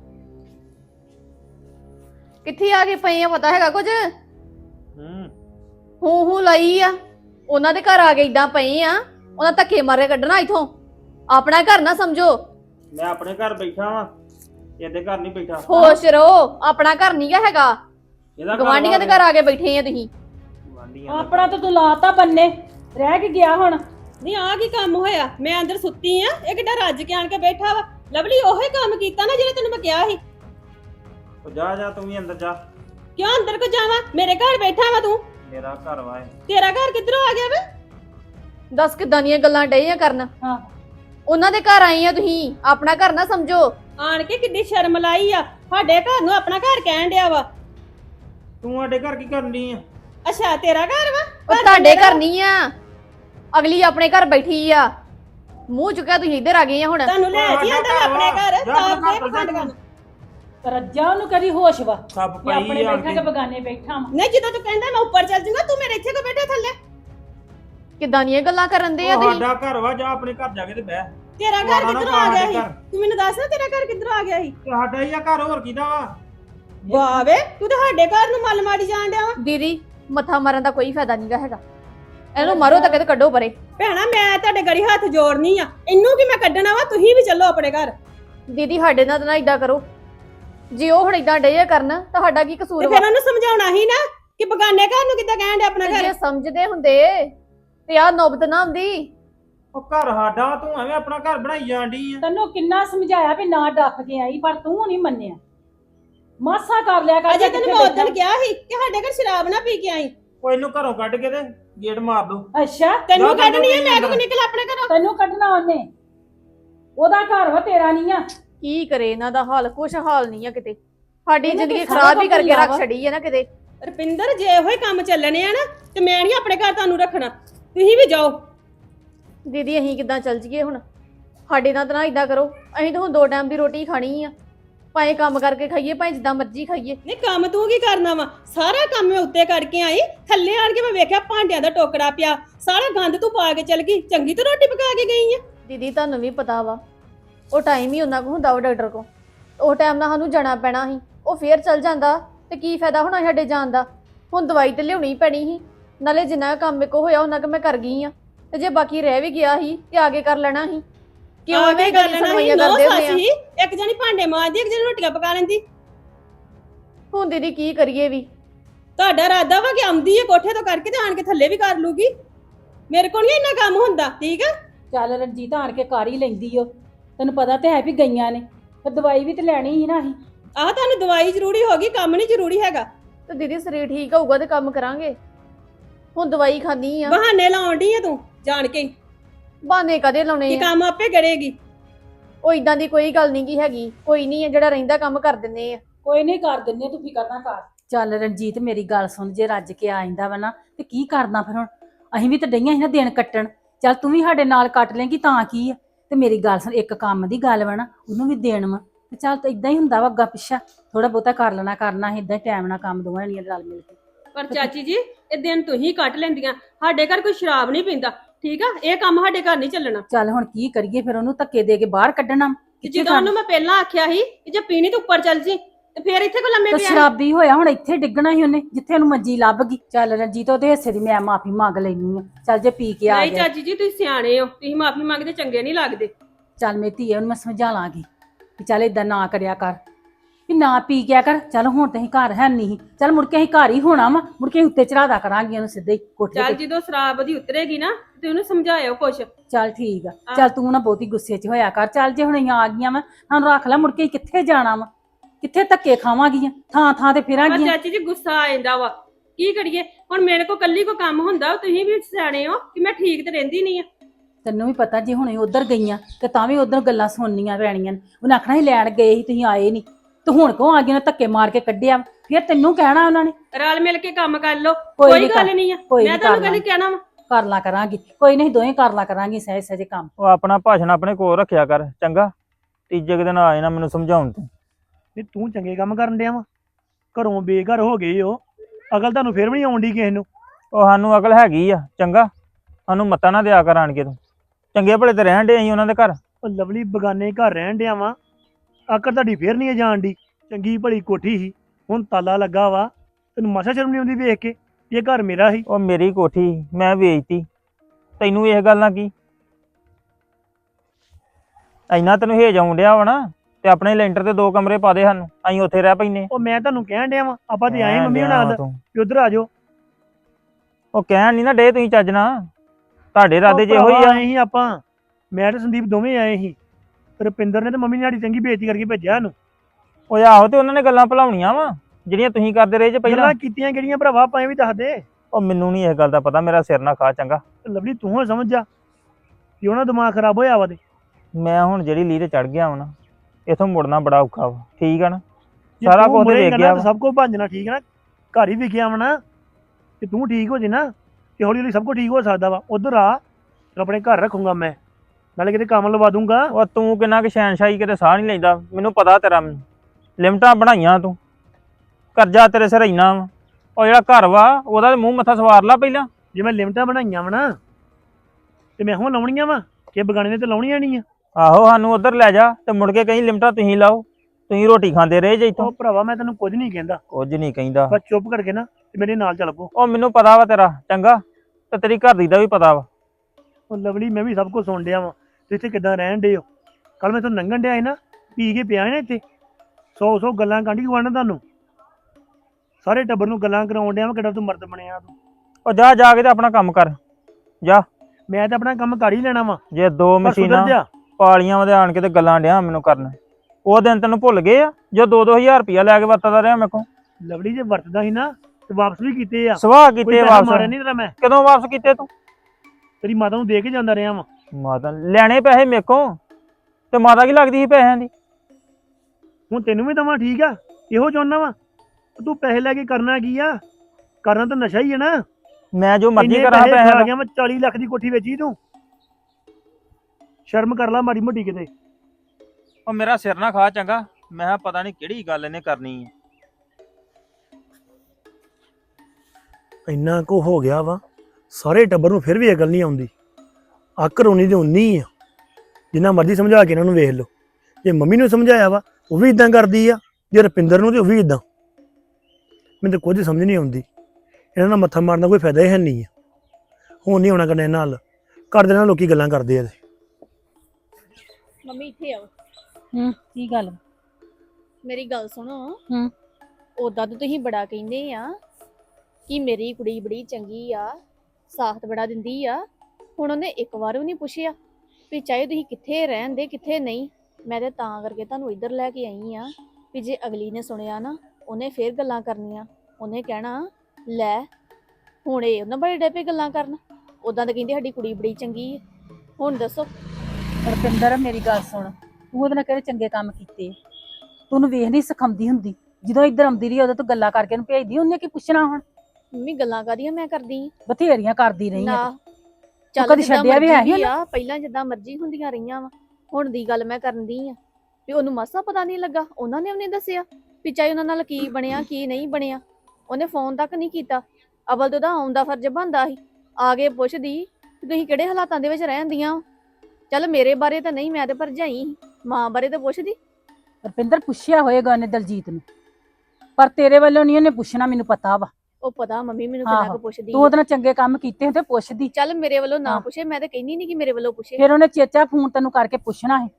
ਕਿੱਥੇ ਆ ਗਏ ਪਏ ਆ, ਪਤਾ ਹੈਗਾ ਕੁਝ? ਹੂੰ ਹੂੰ ਹੂੰ ਲਈ ਆ, ਉਹਨਾਂ ਦੇ ਘਰ ਆ ਕੇ ਇਦਾਂ ਪਏ ਆ, ਉਹਨਾਂ ਧੱਕੇ ਮਾਰੇ ਕੱਢਣਾ ਇਥੋਂ। ਆਪਣਾ ਘਰ ਨਾ ਸਮਝੋ। ਮੈਂ ਆਪਣੇ ਘਰ ਬੈਠਾ ਵਾਂ, ਇਹਦੇ ਘਰ ਨਹੀਂ ਬੈਠਾ। ਹੋਸ਼ ਰਹੋ, ਆਪਣਾ ਘਰ ਨਹੀਂ ਹੈਗਾ, ਇਹਦਾ ਗਵਾਂਢੀਆਂ ਦੇ ਘਰ ਆ ਕੇ ਬੈਠੇ ਆ ਤੁਸੀਂ। ਗਵਾਂਢੀਆਂ ਦਾ ਆਪਣਾ ਤਾਂ ਤੂੰ ਲਾਤਾ ਬੰਨੇ, ਰਹਿ ਕੇ ਗਿਆ ਹੁਣ। ਨਹੀਂ ਆ ਕੀ ਕੰਮ ਹੋਇਆ? ਮੈਂ ਅੰਦਰ ਸੁੱਤੀ ਆ, ਇਹ ਕਿੱਡਾ ਰੱਜ ਕੇ ਆਣ ਕੇ ਬੈਠਾ ਵਾ। ਲਵਲੀ ਉਹੀ ਕੰਮ ਕੀਤਾ ਨਾ ਜਿਹੜਾ ਤੈਨੂੰ ਮੈਂ ਕਿਹਾ ਸੀ। ਉਹ ਜਾ ਜਾ ਤੂੰ ਵੀ ਅੰਦਰ ਜਾ। ਕਿਉਂ ਅੰਦਰ ਕੋ ਜਾਵਾਂ? ਮੇਰੇ ਘਰ ਬੈਠਾ ਵਾ ਤੂੰ। ਮੇਰਾ ਘਰ ਵਾ ਇਹ। ਤੇਰਾ ਘਰ ਕਿੱਧਰੋਂ ਆ ਗਿਆ ਵੇ? ਦੱਸ ਕਿੱਦਾਂ ਦੀਆਂ ਗੱਲਾਂ ਡਏ ਆ ਕਰਨ। ਹਾਂ, ਉਹਨਾਂ ਦੇ ਘਰ ਆਏ ਆ ਤੁਸੀਂ, ਆਪਣਾ ਘਰ ਨਾ ਸਮਝੋ। ਆਣ ਕੇ ਕਿੱਡੀ ਸ਼ਰਮ ਲਾਈ ਆ, ਸਾਡੇ ਘਰ ਨੂੰ ਆਪਣਾ ਘਰ ਕਹਿਣ ਡਿਆ ਵਾ। ਤੂੰ ਸਾਡੇ ਘਰ ਕੀ ਕਰਨੀ ਆ? ਅੱਛਾ ਤੇਰਾ ਘਰ ਵਾ? ਉਹ ਤੁਹਾਡੇ ਘਰ ਨਹੀਂ ਆ, ਅਗਲੀ ਆਪਣੇ ਘਰ ਬੈਠੀ ਆ। ਮੂੰਹ ਚੁੱਕਿਆ ਤੁਸੀਂ ਇੱਧਰ ਆ ਗਏ ਆ ਹੁਣ। ਤੁਹਾਨੂੰ ਲੈ ਜੀ ਅੰਦਰ ਆਪਣੇ ਘਰ, ਜਾ ਤਾਂ ਆਪਣੇ ਦੇ ਘਰ ਪਖੰਡ ਜਾ। ਕਰ। ਰੱਜਾ ਉਹਨੂੰ ਕਦੀ ਹੋਸ਼ ਵਾ ਸੱਪ ਵੀ ਆਪਣੇ ਪਈ ਆ ਬੈਠਾ ਕੇ ਬਗਾਨੇ ਬੈਠਾ ਵਾ। ਨਹੀਂ ਜਦੋਂ ਤੂੰ ਕਹਿੰਦਾ ਮੈਂ ਉੱਪਰ ਚੱਲ ਜਾਊਂਗਾ, ਤੂੰ ਮੇਰੇ ਇੱਥੇ ਕੋ ਬੈਠਾ ਥੱਲੇ? ਕਿੱਦਾਂ ਦੀਆਂ ਗੱਲਾਂ ਕਰਨ ਦੇ ਆ ਉਹ ਤੁਸੀਂ? ਸਾਡਾ ਘਰ ਵਾ, ਜਾ ਆਪਣੇ ਘਰ ਜਾ ਕੇ ਤੇ ਬਹਿ। ਤੇਰਾ ਤੂੰ ਘਰ ਆਉਣਾ ਨਾ ਕਿੱਧਰੋਂ ਆ ਗਿਆ ਸਾਡੇ ਸੀ? ਘਰ। ਤੂੰ ਮੈਨੂੰ ਦੱਸ ਨਾ ਤੇਰਾ ਘਰ ਕਿੱਧਰੋਂ ਆ ਗਿਆ ਸੀ? ਤੇ ਸਾਡਾ ਹੀ ਆ ਘਰ, ਹੋਰ ਕਿਹਦਾ ਵਾ? ਵਾਹ ਵੇ, ਤੂੰ ਤਾਂ ਸਾਡੇ ਘਰ ਨੂੰ ਮੱਲ ਮਾਰੀ ਜਾਣ ਡਿਆ ਵਾ। ਦੀਦੀ ਮੱਥਾ ਮਾਰਨ ਦਾ ਕੋਈ ਫਾਇਦਾ ਨਹੀਂਗਾ ਹੈਗਾ, ਇਹਨੂੰ ਮਾਰੋ ਤਾਂ ਕਿਤੇ ਕੱਢੋ ਪਰੇ। ਭੈਣਾ ਮੈਂ ਤੁਹਾਡੇ ਗੜੀ ਹੱਥ ਜੋੜਨੀ ਆ, ਇਹਨੂੰ ਕੀ ਮੈਂ ਕੱਢਣਾ ਵਾ? ਤੁਸੀਂ ਵੀ ਚੱਲੋ ਆਪਣੇ ਘਰ। ਦੀਦੀ ਸਾਡੇ ਨਾਲ ਤਾਂ ਨਾ ਇਦਾਂ ਕਰੋ, ਜੇ ਉਹ ਹੁਣ ਇਦਾਂ ਡਏ ਆ ਕਰਨ ਤੁਹਾਡਾ ਕੀ ਤੇ ਕਸੂਰ ਵਾ? ਫਿਰ ਉਹਨੂੰ ਸਮਝਾਉਣਾ ਸੀ ਨਾ ਕਿ ਬਗਾਨੇ ਘਰ ਨੂੰ ਕਿੱਦਾਂ ਕਹਿਣ ਡਿਆ ਆਪਣਾ ਤੇ ਘਰ। ਜੇ ਸਮਝਦੇ ਹੁੰਦੇ ਤੇ ਆਹ ਨੌਬਤ ਨਾ ਹੁੰਦੀ। ਉਹ ਘਰ ਸਾਡਾ, ਤੂੰ ਐਵੇਂ ਆਪਣਾ ਘਰ ਬਣਾਈ ਜਾਂਦੀ ਆ। ਤੈਨੂੰ ਕਿੰਨਾ ਸਮਝਾਇਆ ਵੀ ਨਾ ਡੱਕ ਕੇ ਆਈ, ਪਰ ਤੂੰ ਨਹੀਂ ਮੰਨਿਆ। ਮਾਸਾ ਕਰ ਲਿਆ ਕਰ। ਅਜੇ ਤੈਨੂੰ ਮੈਂ ਉਦੋਂ ਕਿਹਾ ਸੀ ਕਿ ਸਾਡੇ ਘਰ ਸ਼ਰਾਬ ਨਾ ਪੀ ਕੇ ਆਈ। ਉਹ ਇਹਨੂੰ ਘਰੋਂ ਕੱਢ ਕੇ ਤੇ ਗੇਟ ਮਾਰ ਦੋ। ਅੱਛਾ, ਤੈਨੂੰ ਜਾ ਕੱਢਣੀ ਆ, ਤੈਨੂੰ ਮੈਂ ਅੰਦਰ। ਕਿਉਂ ਨਿਕਲ ਆਪਣੇ ਘਰੋਂ? ਤੈਨੂੰ ਕੱਢਣਾ ਉਹਨੇ, ਉਹਦਾ ਘਰ ਵਾ, ਤੇਰਾ ਨਹੀਂ ਆ। ਕੀ ਕਰੇ ਇਹਨਾਂ ਦਾ ਹਾਲ, ਕੁਛ ਹਾਲ ਨਹੀਂ ਆ ਕਿਤੇ। ਸਾਡੀ ਇਹਨਾਂ ਜ਼ਿੰਦਗੀ ਤੇ ਸਾਰਾ ਖਰਾਬ ਹੀ ਕੁਝ ਕਰਕੇ ਰੱਖ ਵਾ। ਛੜੀ ਆ ਨਾ ਕਿਤੇ। ਰੁਪਿੰਦਰ ਜੇ ਇਹੋ ਹੀ ਕੰਮ ਚੱਲਣੇ ਆ ਨਾ ਤੇ ਮੈਂ ਨਹੀਂ ਆਪਣੇ ਘਰ ਤੁਹਾਨੂੰ ਰੱਖਣਾ, ਤੁਸੀਂ ਵੀ ਜਾਓ। ਦੀਦੀ ਅਸੀਂ ਕਿੱਦਾਂ ਚੱਲ ਜੀਏ ਹੁਣ? ਸਾਡੇ ਨਾਲ ਤਾਂ ਨਾ ਇਦਾਂ ਕਰੋ, ਅਸੀਂ ਤਾਂ ਹੁਣ ਦੋ ਟਾਈਮ ਦੀ ਰੋਟੀ ਖਾਣੀ ਆ, ਭਾਵੇਂ ਕੰਮ ਕਰਕੇ ਖਾਈਏ ਭਾਵੇਂ ਜਿੱਦਾਂ ਮਰਜ਼ੀ ਖਾਈਏ। ਨਹੀਂ ਕੰਮ ਤੂੰ ਕੀ ਕਰਨਾ ਵਾ? ਸਾਰਾ ਕੰਮ ਮੈਂ ਉੱਤੇ ਕਰਕੇ ਆਈ, ਥੱਲੇ ਆਣ ਕੇ ਮੈਂ ਵੇਖਿਆ ਭਾਂਡਿਆਂ ਦਾ ਟੋਕਰਾ ਪਿਆ, ਸਾਰਾ ਗੰਦ ਤੂੰ ਪਾ ਕੇ ਚਲ ਗਈ। ਚੰਗੀ ਤੋਂ ਰੋਟੀ ਪਕਾ ਕੇ ਗਈ ਆ। ਦੀਦੀ ਤੁਹਾਨੂੰ ਵੀ ਪਤਾ ਵਾ ਉਹ ਟਾਈਮ ਹੀ ਉਹਨਾਂ ਕੋ ਹੁੰਦਾ ਵਾ ਡਾਕਟਰ ਕੋ, ਉਹ ਟਾਈਮ ਨਾਲ ਸਾਨੂੰ ਜਾਣਾ ਪੈਣਾ ਸੀ। ਉਹ ਫੇਰ ਚੱਲ ਜਾਂਦਾ ਤੇ ਕੀ ਫਾਇਦਾ ਹੋਣਾ ਸਾਡੇ ਜਾਣ ਦਾ? ਹੁਣ ਦਵਾਈ ਤੇ ਲਿਆਉਣੀ ਪੈਣੀ ਸੀ, ਨਾਲੇ ਜਿੰਨਾ ਕੰਮ ਮੇਰੇ ਕੋ ਹੋਇਆ ਉਹਨਾਂ ਕੁ ਮੈਂ ਕਰ ਗਈ ਆ, ਤੇ ਜੇ ਬਾਕੀ ਰਹਿ ਵੀ ਗਿਆ ਸੀ ਤੇ ਆਗੇ ਕਰ ਲੈਣਾ ਸੀ। ਕਿਉਂ ਆ ਐਵੇਂ ਕੇ ਗੱਲ ਗੱਲ ਨਾ ਸਮਝਿਆ ਨੌ ਕਰਦੇ ਸੱਸ ਹੁੰਦੇ ਆ? ਹੀ, ਇੱਕ ਜਣੀ ਭਾਂਡੇ ਮਾਂਜਦੀ, ਇੱਕ ਜਣੀ ਰੋਟੀਆਂ ਪਕਾ ਲੈਂਦੀ। ਹੁਣ ਦੀਦੀ ਕੀ ਕਰੀਏ ਵੀ? ਤੁਹਾਡਾ ਇਰਾਦਾ ਵਾ ਕਿ ਆਉਂਦੀ ਹੈ ਕੋਠੇ ਤੋਂ ਕਰਕੇ ਤੇ ਆਣ ਕੇ ਥੱਲੇ ਵੀ ਕਰ ਲੂਗੀ। ਮੇਰੇ ਕੋਲ ਨਹੀਂ ਇੰਨਾ ਕੰਮ ਹੁੰਦਾ, ਠੀਕ ਆ? ਚੱਲ ਰਣਜੀਤ ਆਣ ਕੇ ਕਰ ਹੀ ਲੈਂਦੀ ਓ, ਤੈਨੂੰ ਪਤਾ ਤੇ ਹੈ ਵੀ ਗਈਆਂ ਨੇ, ਫਿਰ ਦਵਾਈ ਵੀ ਤੇ ਲੈਣੀ ਸੀ ਨਾ ਅਸੀਂ। ਆਹ ਤੁਹਾਨੂੰ ਦਵਾਈ ਜ਼ਰੂਰੀ ਹੋ ਗਈ, ਕੰਮ ਨਹੀਂ ਜ਼ਰੂਰੀ ਹੈਗਾ। ਤੇ ਦੀਦੀ ਸਰੀਰ ਠੀਕ ਹੋਊਗਾ ਤੇ ਕੰਮ ਕਰਾਂਗੇ। ਹੁਣ ਦਵਾਈ ਖਾਣੀ ਆ, ਬਹਾਨੇ ਲਾਉਣ ਡਈ ਆ ਤੂੰ ਜਾਣ ਕੇ ਹੀ, ਬਹਾਨੇ ਕਦੇ ਲਾਉਣੇ ਕਿ ਆ? ਕੰਮ ਆਪੇ ਕਰੇਗੀ। ਉਹ ਇਦਾਂ ਦੀ ਕੋਈ ਗੱਲ ਨਹੀਂ ਕੀ ਹੈਗੀ, ਕੋਈ ਨਹੀਂ ਹੈ ਜਿਹੜਾ ਰਹਿੰਦਾ ਕੰਮ ਕਰ ਦਿੰਦੇ ਆ। ਕੋਈ ਨਹੀਂ ਕਰ ਦਿੰਨੇ, ਤੂੰ ਫਿਕਰ ਨਾ ਕਰ। ਚੱਲ ਰਣਜੀਤ ਮੇਰੀ ਗੱਲ ਸੁਣ, ਜੇ ਰੱਜ ਕੇ ਆ ਜਾਂਦਾ ਵਾ ਨਾ ਤੇ ਕੀ ਕਰਨਾ ਫਿਰ ਹੁਣ? ਅਸੀਂ ਵੀ ਤਾਂ ਡਈਆਂ ਸੀ ਨਾ ਦਿਨ ਕੱਟਣ, ਚੱਲ ਤੂੰ ਵੀ ਸਾਡੇ ਨਾਲ ਕੱਟ ਲੇਂਗੀ ਤਾਂ ਕੀ ਆ। ਤੇ ਮੇਰੀ ਗੱਲ ਸੁਣ, ਇੱਕ ਕੰਮ ਦੀ ਗੱਲ ਵਾ ਨਾ, ਉਹਨੂੰ ਵੀ ਦੇਣ ਵਾ ਤੇ ਚੱਲ ਤਾਂ ਇਦਾਂ ਹੀ ਹੁੰਦਾ ਵਾ, ਅੱਗਾ ਪਿੱਛਾ ਥੋੜਾ ਬਹੁਤਾ ਕਰ ਲੈਣਾ ਕਰਨਾ ਇਦਾਂ ਟਾਈਮ ਨਾਲ ਕੰਮ ਦੋਵਾਂ ਜਣੀਆਂ ਰਲ ਮਿਲ ਕੇ। ਪਰ ਚਾਚੀ ਜੀ ਇਹ ਦਿਨ ਤੁਸੀਂ ਕੱਟ ਲੈਂਦੀਆਂ, ਸਾਡੇ ਘਰ ਕੋਈ ਸ਼ਰਾਬ ਨਹੀਂ ਪੀਂਦਾ, ਠੀਕ ਆ? ਇਹ ਕੰਮ ਸਾਡੇ ਘਰ ਨਹੀਂ ਚੱਲਣਾ। ਚੱਲ ਹੁਣ ਕੀ ਕਰੀਏ ਫਿਰ, ਉਹਨੂੰ ਧੱਕੇ ਦੇ ਕੇ ਬਾਹਰ ਕੱਢਣਾ। ਤੇ ਜਦੋਂ ਉਹਨੂੰ ਮੈਂ ਪਹਿਲਾਂ ਆਖਿਆ ਸੀ ਕਿ ਜੇ ਪੀਣੀ ਤਾਂ ਉੱਪਰ ਚੱਲ ਜੀ, ਤੇ ਫੇਰ ਇੱਥੇ ਕੋ ਲੰਮੇ ਤੇ ਪਿਆ। ਸ਼ਰਾਬੀ ਹੋਇਆ ਹੁਣ ਇੱਥੇ ਡਿੱਗਣਾ ਸੀ ਉਹਨੇ, ਜਿੱਥੇ ਉਹਨੂੰ ਮੰਜੀ ਲੱਭ ਗਈ। ਚੱਲ ਰਣਜੀਤ ਉਹਦੇ ਹਿੱਸੇ ਦੀ ਮੈਂ ਮਾਫੀ ਮੰਗ ਲੈਣੀ ਆ, ਚੱਲ ਜੇ ਪੀ ਕੇ ਆ ਨਹੀਂ ਗਿਆ। ਚਾਚੀ ਜੀ ਤੁਸੀਂ ਸਿਆਣੇ ਹੋ, ਤੁਸੀਂ ਮਾਫੀ ਮੰਗਦੇ ਚੰਗੇ ਨਹੀਂ ਲੱਗਦੇ। ਚੱਲ ਮੇਰੀ ਧੀਏ ਉਹਨੂੰ ਮੈਂ ਸਮਝਾ ਲਾਂਗੀ ਕਿ ਚੱਲ ਏਦਾਂ ਨਾ ਕਰਿਆ ਕਰ, ਵੀ ਨਾ ਪੀ ਗਿਆ ਕਰ। ਚੱਲ ਹੁਣ ਤੇ ਅਸੀਂ ਘਰ ਹੈ ਨਹੀਂ, ਚੱਲ ਮੁੜ ਕੇ ਅਸੀਂ ਘਰ ਹੀ ਹੋਣਾ ਵਾ, ਮੁੜ ਕੇ ਉੱਤੇ ਚੜਾਦਾ ਕਰਾਂਗੇ ਉਹਨੂੰ ਸਿੱਧੇ ਹੀ ਕੋਠੇ ਚੱਲ ਤੇ। ਜਦੋਂ ਸ਼ਰਾਬ ਉਹਦੀ ਉਤਰੇਗੀ ਨਾ ਤੇ ਉਹਨੂੰ ਸਮਝਾਇਓ ਕੁਛ। ਚੱਲ ਠੀਕ ਆ, ਚੱਲ ਤੂੰ ਨਾ ਬਹੁਤੀ ਗੁੱਸੇ 'ਚ ਹੋਇਆ ਕਰ। ਚੱਲ ਜੇ ਹੁਣ ਅਸੀਂ ਆ ਗਈਆਂ ਵਾ, ਸਾਨੂੰ ਰੱਖ ਲੈ, ਮੁੜ ਕੇ ਅਸੀਂ ਕਿੱਥੇ ਜਾਣਾ ਵਾ, ਕਿੱਥੇ ਧੱਕੇ ਖਾਵਾਂਗੀਆਂ, ਥਾਂ ਥਾਂ ਤੇ ਪਰ ਫਿਰਾਂਗੀਆਂ। ਚਾਚੀ ਜੀ ਗੁੱਸਾ ਆ ਜਾਂਦਾ ਵਾ, ਕੀ ਕਰੀਏ ਹੁਣ? ਮੇਰੇ ਕੋ ਕੱਲੀ ਕੋ ਕੰਮ ਹੁੰਦਾ, ਤੁਸੀਂ ਵੀ ਸਿਆਣੇ ਹੋ ਕਿ ਮੈਂ ਠੀਕ ਤੇ ਰਹਿੰਦੀ ਨਹੀਂ ਆ। ਤੈਨੂੰ ਵੀ ਪਤਾ ਜੇ ਹੁਣੇ ਉਧਰ ਗਈਆਂ ਤੇ ਤਾਂ ਵੀ ਉਧਰ ਗੱਲਾਂ ਸੁਣਨੀਆਂ ਪੈਣੀਆਂ ਨੇ। ਉਹਨੇ ਆਖਣਾ ਸੀ ਲੈਣ ਗਏ ਸੀ ਤੁਸੀਂ ਆਏ ਨਹੀਂ, ਤੇ ਹੁਣ ਕਿਉਂ ਆ ਗਏ ਨੇ? ਧੱਕੇ ਮਾਰ ਕੇ ਕੱਢਿਆ, ਫਿਰ ਤੈਨੂੰ ਕਹਿਣਾ ਉਹਨਾਂ ਨੇ। ਰਲ ਮਿਲ ਕੇ ਕੰਮ ਕਰ ਲਓ, ਕੋਈ ਕੋਈ ਨੀ ਗੱਲ ਕਰ- ਨਹੀਂ ਆ। ਕੋਈ ਮੈਂ ਨੀ ਤੁਹਾਨੂੰ ਕਰ ਕਹਿੰਦੀ ਕਹਿਣਾ ਵਾ। ਕਰ ਲਾ ਕਰਾਂਗੀ, ਕੋਈ ਨਹੀਂ ਦੋਵੇਂ ਕਰ ਲਾ ਕਰਾਂਗੇ ਸਹਿ ਸਹਿਜੇ ਕੰਮ। ਉਹ ਆਪਣਾ ਭਾਸ਼ਣ ਆਪਣੇ ਕੋਲ ਰੱਖਿਆ ਕਰ ਚੰਗਾ, ਤੀਜੇ ਕੁ ਦਿਨ ਆ ਜਾਣਾ ਮੈਨੂੰ ਸਮਝਾਉਣ ਤੂੰ। ਨਹੀਂ ਤੂੰ ਚੰਗੇ ਕੰਮ ਕਰਨ ਡਿਆ ਵਾ, ਘਰੋਂ ਬੇਘਰ ਹੋ ਗਏ ਹੋ, ਅਕਲ ਤੁਹਾਨੂੰ ਫਿਰ ਵੀ ਨਹੀਂ ਆਉਂਦੀ ਕਿਸੇ ਨੂੰ। ਉਹ ਸਾਨੂੰ ਅਕਲ ਹੈਗੀ ਆ ਚੰਗਾ, ਸਾਨੂੰ ਮੱਤਾ ਨਾ ਦਿਆ ਕਰ ਆਣ ਕੇ ਤੂੰ। ਚੰਗੇ ਭਲੇ ਤੇ ਰਹਿਣ ਡੇ ਅਸੀਂ ਉਹਨਾਂ ਦੇ ਘਰ। ਉਹ ਲਵਲੀ ਬਗਾਨੇ ਘਰ ਰਹਿਣ ਡਿਆ ਵਾ, ਆਕਰ ਤੁਹਾਡੀ ਫੇਰ ਨਹੀਂ ਜਾਣ ਦੀ। ਚੰਗੀ ਭਲੀ ਕੋਠੀ ਸੀ, ਹੁਣ ਤਾਲਾ ਲੱਗਾ ਵਾ, ਤੈਨੂੰ ਮਾਸਾ ਸ਼ਰਮ ਨਹੀਂ ਆਉਂਦੀ ਵੇਖ ਕੇ ਇਹ ਘਰ ਮੇਰਾ ਸੀ। ਉਹ ਮੇਰੀ ਕੋਠੀ ਮੈਂ ਵੇਚਤੀ, ਤੈਨੂੰ ਇਹ ਗੱਲ ਨਾ ਕੀ ਇੰਨਾ ਤੈਨੂੰ ਹੇਜ ਆਉਣ ਡਿਆ ਵਾ ਨਾ, ਤੇ ਆਪਣੇ ਲੈਂਟਰ ਤੇ ਦੋ ਕਮਰੇ ਪਾ ਦੇ ਸਾਨੂੰ, ਅਸੀਂ ਉੱਥੇ ਰਹਿ ਪੈਨੇ। ਉਹ ਮੈਂ ਤੁਹਾਨੂੰ ਕਹਿਣ ਡਿਆ ਵਾ, ਆਪਾਂ ਤੇ ਆਏ ਮੰਮੀ ਹੁਣਾਂ ਨਾਲ ਵੀ ਉਧਰ ਆ ਜਾਓ। ਉਹ ਕਹਿਣ ਨਹੀਂ ਨਾ ਡੇ ਤੁਸੀਂ ਚੱਜ ਨਾ, ਤੁਹਾਡੇ ਇਰਾਦੇ ਜੇ ਹੋਈ ਆ। ਆਏ ਸੀ ਆਪਾਂ, ਮੈਂ ਤੇ ਸੰਦੀਪ ਦੋਵੇਂ ਆਏ ਸੀ, ਰੁਪਿੰਦਰ ਨੇ ਤੇ ਮੰਮੀ ਨੇ ਸਾਡੀ ਚੰਗੀ ਬੇਇੱਜ਼ਤੀ ਕਰਕੇ ਭੇਜਿਆ ਇਹਨੂੰ। ਉਹ ਆਹੋ, ਤੇ ਉਹਨਾਂ ਨੇ ਗੱਲਾਂ ਭੁਲਾਉਣੀਆਂ ਵਾ ਜਿਹੜੀਆਂ ਤੁਸੀਂ ਕਰਦੇ ਰਹੇ ਜੇ ਪਹਿਲਾਂ। ਗੱਲਾਂ ਕੀਤੀਆਂ ਕਿਹੜੀਆਂ ਭਰਾਵਾ, ਆਪਾਂ ਇਹ ਵੀ ਦੱਸ ਦੇ। ਉਹ ਮੈਨੂੰ ਨਹੀਂ ਇਹ ਗੱਲ ਦਾ ਪਤਾ, ਮੇਰਾ ਸਿਰ ਨਾ ਖਾ ਚੰਗਾ। ਲਵਲੀ ਤੂੰ ਹੁਣ ਸਮਝ ਜਾ ਕਿ ਉਹਨਾਂ ਦਿਮਾਗ ਖਰਾਬ ਹੋਇਆ ਵਾ ਤੇ। ਮੈਂ ਹੁਣ ਜਿਹੜੀ ਲੀਹ ਤੇ ਚੜ ਗਿਆ ਵਾ ਨਾ, ਇਥੋਂ ਮੁੜਨਾ ਬੜਾ ਔਖਾ ਵਾ, ਠੀਕ ਆ ਨਾ? ਜੇ ਸਾਰਾ ਤੂੰ ਕੁਝ ਤੇ ਮੁੜੇਂਗਾ ਵੇਖ ਗਿਆ ਨਾ ਵਾ। ਤੇ ਸਭ ਕੁਝ ਭੰਜਣਾ, ਠੀਕ ਹੈ ਨਾ? ਘਰ ਹੀ ਵਿਖਿਆ ਵਾ ਨਾ, ਤੇ ਤੂੰ ਠੀਕ ਹੋ ਜੇ ਨਾ ਤੇ ਹੌਲੀ ਹੌਲੀ ਸਭ ਕੁਝ ਠੀਕ ਹੋ ਸਕਦਾ ਵਾ। ਉਧਰ ਆ ਤੇ ਆਪਣੇ ਘਰ ਰੱਖੂੰਗਾ ਮੈਂ, ਨਾਲੇ ਕਿਤੇ ਕੰਮ ਲਵਾ ਦੂੰਗਾ। ਉਹ ਤੂੰ ਕਿੰਨਾ ਕਿ ਸ਼ੈਨਸ਼ਾਹੀ ਕਿਤੇ ਸਾਹ ਨਹੀਂ ਲੈਂਦਾ, ਮੈਨੂੰ ਪਤਾ ਤੇਰਾ। ਲਿਮਟਾਂ ਬਣਾਈਆਂ ਤੂੰ, ਕਰਜ਼ਾ ਤੇਰੇ ਸਿਰ ਇੰਨਾ ਵਾ। ਉਹ ਜਿਹੜਾ ਘਰ ਵਾ ਉਹਦਾ ਤੇ ਮੂੰਹ ਮੱਥਾ ਸਵਾਰ ਲਾ ਪਹਿਲਾਂ। ਜੇ ਮੈਂ ਲਿਮਟਾਂ ਬਣਾਈਆਂ ਵਾ ਨਾ ਤੇ ਮੈਂ ਹੁਣ ਲਾਉਣੀਆਂ ਵਾ, ਕਿ ਬਗਾਨੇ ਨੇ ਤੇ ਲਾਉਣੀਆਂ ਨਹੀਂ ਆ। ਆਹੋ, ਸਾਨੂੰ ਉਧਰ ਲੈ ਜਾ ਤੇ ਮੁੜ ਕੇ ਕਹੀਂ ਲਿਮਟਾਂ ਤੁਸੀਂ ਲਾਓ, ਤੁਸੀਂ ਰੋਟੀ ਖਾਂਦੇ ਰਹੇ ਜੇ ਇੱਥੋਂ। ਉਹ ਭਰਾਵਾ ਮੈਂ ਤੈਨੂੰ ਕੁਝ ਨਹੀਂ ਕਹਿੰਦਾ, ਕੁਝ ਨਹੀਂ ਕਹਿੰਦਾ। ਬਸ ਚੁੱਪ ਕਰਕੇ ਨਾ ਤੇ ਮੇਰੇ ਨਾਲ ਚੱਲ ਪੋ। ਉਹ ਮੈਨੂੰ ਪਤਾ ਵਾ ਤੇਰਾ ਚੰਗਾ, ਤੇ ਤੇਰੀ ਘਰ ਦੀ ਦਾ ਵੀ ਪਤਾ ਵਾ। ਉਹ ਲਵਲੀ ਮੈਂ ਵੀ ਸਭ ਕੁਝ ਸੁਣ ਡਿਆ ਵਾ, ਤੇ ਇੱਥੇ ਕਿੱਦਾਂ ਰਹਿਣ ਡੇ ਹੋ। ਕੱਲ ਮੈਂ ਤੁਹਾਨੂੰ ਲੰਘਣ ਡਿਆ ਸੀ ਨਾ, ਪੀ ਕੇ ਪਿਆ ਸੀ ਨਾ ਇੱਥੇ, ਸੌ ਸੌ ਗੱਲਾਂ ਕਾਂਢੀ ਗਵਾਣਾ ਤੁਹਾਨੂੰ, ਸਾਰੇ ਟੱਬਰ ਨੂੰ ਗੱਲਾਂ ਕਰਾਉਣ ਡਿਆ ਵਾ, ਕਿੱਡਾ ਤੂੰ ਮਰਦ ਬਣਿਆ ਤੂੰ। ਉਹ ਜਾ ਜਾ ਕੇ ਤੇ ਆਪਣਾ ਕੰਮ ਕਰ ਜਾ। ਮੈਂ ਤਾਂ ਆਪਣਾ ਕੰਮ ਕਰ ਹੀ ਲੈਣਾ ਵਾ, ਜੇ ਦੋ ਪਰ ਸੁਧਰ ਮਸ਼ੀਨਾਂ ਜਾ। ਪਾਲੀਆਂ ਉਹਦੇ ਆਣ ਕੇ ਤੇ ਗੱਲਾਂ ਡਿਆ ਮੈਨੂੰ ਕਰਨ, ਉਹ ਦਿਨ ਤੈਨੂੰ ਭੁੱਲ ਗਏ ਆ ਜੋ ਦੋ ਦੋ ਹਜ਼ਾਰ ਰੁਪਇਆ ਲੈ ਕੇ ਵਰਤਦਾ ਰਿਹਾ ਮੇਰੇ ਕੋਲ। ਲਵਲੀ ਜੇ ਵਰਤਦਾ ਸੀ ਨਾ ਤੇ ਵਾਪਸ ਵੀ ਕੀਤੇ ਆ, ਸਵਾਹ ਕੋਈ ਕੀਤੇ ਪੈਸਾ ਵਾਪਸ। ਮਾਰਿਆ ਨਹੀਂ ਤੇਰਾ ਮੈਂ, ਕਦੋਂ ਵਾਪਸ ਕੀਤੇ ਤੂੰ? ਤੇਰੀ ਮਾਤਾ ਨੂੰ ਦੇ ਕੇ ਜਾਂਦਾ ਰਿਹਾ ਵਾ। ਮਾਤਾ ਲੈਣੇ ਪੈਸੇ ਮੇਰੇ ਕੋਲ, ਤੇ ਮਾਤਾ ਕੀ ਲੱਗਦੀ ਸੀ ਪੈਸਿਆਂ ਦੀ? ਹੁਣ ਤੈਨੂੰ ਵੀ ਦਵਾਂ, ਠੀਕ ਆ? ਇਹੋ ਚਾਹੁੰਦਾ ਵਾ ਤੂੰ ਪੈਸੇ ਲੈ ਕੇ ਕਰਨਾ ਕੀ ਆ? ਕਰਨਾ ਤਾਂ ਨਸ਼ਾ ਹੀ ਹੈ ਨਾ। ਮੈਂ ਜੋ ਮਰਜ਼ੀ ਇੰਨੇ ਕਰਾਂ ਪੈਸੇ ਪੈਸੇ ਖਾ ਦਾ। ਗਿਆ ਮੈਂ, ਚਾਲੀ ਲੱਖ ਦੀ ਕੋਠੀ ਵੇਚੀ ਤੂੰ। ਸ਼ਰਮ ਕਰ ਲਾ ਮਾੜੀ ਮੋਟੀ ਕਿਤੇ। ਉਹ ਮੇਰਾ ਸਿਰ ਨਾ ਖਾ ਚੰਗਾ। ਮੈਂ ਕਿਹਾ ਪਤਾ ਨਹੀਂ ਕਿਹੜੀ ਗੱਲ ਇਹਨੇ ਕਰਨੀ ਹੈ। ਇੰਨਾ ਕੁ ਹੋ ਗਿਆ ਵਾ, ਸਾਰੇ ਟੱਬਰ ਨੂੰ ਫਿਰ ਵੀ ਅਕਲ ਨਹੀਂ ਆਉਂਦੀ। ਆਕਰ ਹੋਣੀ ਤੇ ਉਨੀ ਆ, ਜਿੰਨਾ ਮਰਜ਼ੀ ਸਮਝਾ ਕੇ ਇਹਨਾਂ ਨੂੰ ਵੇਖ ਲਓ। ਜੇ ਮੰਮੀ ਨੂੰ ਸਮਝਾਇਆ ਵਾ ਉਹ ਵੀ ਇਦਾਂ ਕਰਦੀ ਆ, ਜੇ ਰੁਪਿੰਦਰ ਨੂੰ ਤੇ ਉਹ ਵੀ ਇਦਾਂ। ਮੈਨੂੰ ਤਾਂ ਕੁਝ ਸਮਝ ਨਹੀਂ ਆਉਂਦੀ। ਇਹਨਾਂ ਨਾਲ ਮੱਥਾ ਮਾਰਨ ਦਾ ਕੋਈ ਫਾਇਦਾ ਹੀ ਹੈ ਨਹੀਂ ਆ। ਹੁਣ ਨਹੀਂ ਹੋਣਾ ਕਰਨਾ ਇਹਨਾਂ ਨਾਲ, ਘਰ ਦੇ ਨਾਲ ਲੋਕੀ ਗੱਲਾਂ ਕਰਦੇ ਆ। ਮੰਮੀ ਇੱਥੇ ਆਓ, ਹੂੰ ਕੀ ਗੱਲ? ਮੇਰੀ ਗੱਲ ਸੁਣੋ। ਹੂੰ। ਉਦਾਂ ਤਾਂ ਤੁਸੀਂ ਬੜਾ ਕਹਿੰਦੇ ਆ ਕਿ ਮੇਰੀ ਕੁੜੀ ਬੜੀ ਚੰਗੀ ਆ, ਸਾਥ ਬੜਾ ਦਿੰਦੀ ਆ। ਹੁਣ ਉਹਨੇ ਇੱਕ ਵਾਰ ਵੀ ਨਹੀਂ ਪੁੱਛਿਆ ਵੀ ਚਾਹੇ ਤੁਸੀਂ ਕਿੱਥੇ ਰਹਿੰਦੇ ਕਿੱਥੇ ਨਹੀਂ। ਮੈਂ ਤੇ ਤਾਂ ਕਰਕੇ ਤੁਹਾਨੂੰ ਇੱਧਰ ਲੈ ਕੇ ਆਈ ਆ ਵੀ ਜੇ ਅਗਲੀ ਨੇ ਸੁਣਿਆ ਨਾ, ਉਹਨੇ ਫੇਰ ਗੱਲਾਂ ਕਰਨੀਆਂ। ਉਹਨੇ ਕਹਿਣਾ ਲੈ ਹੁਣ ਇਹ ਉਹਨਾਂ ਬੜੇ ਡੇਪੇ ਗੱਲਾਂ ਕਰਨ। ਉਦਾਂ ਤਾਂ ਕਹਿੰਦੇ ਸਾਡੀ ਕੁੜੀ ਬੜੀ ਚੰਗੀ ਹੈ। ਹੁਣ ਦੱਸੋ। ਰੁਪਿੰਦਰ ਮੇਰੀ ਗੱਲ ਸੁਣ, ਤੂੰ ਉਹਦੇ ਨਾਲ ਕਿਹੜੇ ਚੰਗੇ ਕੰਮ ਕੀਤੇ? ਤੂੰ ਉਹਨੂੰ ਵੇਖ ਨਹੀਂ ਸਿਖਾਉਂਦੀ ਹੁੰਦੀ? ਜਦੋਂ ਇੱਧਰ ਆਉਂਦੀ ਰਹੀ ਉਦੋਂ ਤੂੰ ਗੱਲਾਂ ਕਰਕੇ ਉਹਨੂੰ ਭੇਜਦੀ, ਉਹਨੇ ਕੀ ਪੁੱਛਣਾ? ਹੁਣ ਮੰਮੀ ਗੱਲਾਂ ਕਾਹਦੀਆਂ ਮੈਂ ਕਰਦੀ ਆਂ? ਬਥੇਰੀਆਂ ਕਰਦੀ ਰਹੀ ਆ। ਨਾ ਚੱਲ ਕਦੀ ਜਿੱਦਾਂ ਛੱਡਿਆ ਵੀ ਮਰਜ਼ੀ ਹੈ ਹੀ ਵੀ ਆ, ਪਹਿਲਾਂ ਜਿੱਦਾਂ ਮਰਜ਼ੀ ਹੁੰਦੀਆਂ ਰਹੀਆਂ ਵਾ। ਹੁਣ ਦੀ ਗੱਲ ਮੈਂ ਕਰਨ ਦੀ ਆ ਵੀ ਉਹਨੂੰ ਮਾਸਾ ਪਤਾ ਨਹੀਂ ਲੱਗਾ। ਉਹਨਾਂ ਨੇ ਵੀ ਨਹੀਂ ਦੱਸਿਆ ਵੀ ਚਾਹੇ ਉਹਨਾਂ ਨਾਲ ਕੀ ਬਣਿਆ ਕੀ ਨਹੀਂ ਬਣਿਆ। ਉਹਨੇ ਫੋਨ ਤੱਕ ਨਹੀਂ ਕੀਤਾ। ਅਵਲ ਤੇ ਉਹਦਾ ਆਉਣ ਦਾ ਫਰਜ਼ ਬਣਦਾ ਸੀ। ਆ ਕੇ ਪੁੱਛਦੀ ਵੀ ਤੁਸੀਂ ਕਿਹੜੇ ਹਾਲਾਤਾਂ ਦੇ ਵਿੱਚ ਰਹਿੰਦੀਆਂ। ਚੱਲ ਮੇਰੇ ਬਾਰੇ ਤਾਂ ਨਹੀਂ, ਮੈਂ ਤੇ ਭਰਜਾਈ ਸੀ, ਮਾਂ ਬਾਰੇ ਤਾਂ ਪੁੱਛਦੀ। ਰੁਪਿੰਦਰ ਪੁੱਛਿਆ ਹੋਏਗਾ ਉਹਨੇ ਦਲਜੀਤ ਨੂੰ, ਪਰ ਤੇਰੇ ਵੱਲੋਂ ਨਹੀਂ ਉਹਨੇ ਪੁੱਛਣਾ, ਮੈਨੂੰ ਪਤਾ ਵਾ। ਉਹ ਪਤਾ ਮੰਮੀ ਮੈਨੂੰ ਕਿੰਨਾ ਆਹੋ, ਕੁ ਪੁੱਛਦੀ ਤੂੰ ਆ। ਉਹਦੇ ਨਾਲ ਚੰਗੇ ਕੰਮ ਕੀਤੇ ਹੁੰਦੇ ਪੁੱਛਦੀ। ਚੱਲ ਮੇਰੇ ਵੱਲੋਂ ਨਾ ਹਾਂ। ਪੁੱਛੇ, ਮੈਂ ਤਾਂ ਕਹਿੰਦੀ ਨਹੀਂ ਕਿ ਮੇਰੇ ਵੱਲੋਂ ਪੁੱਛੇ। ਫਿਰ ਉਹਨੇ ਚੇਚਾ ਫੋਨ ਤੈਨੂੰ ਕਰਕੇ ਪੁੱਛਣਾ ਹੈ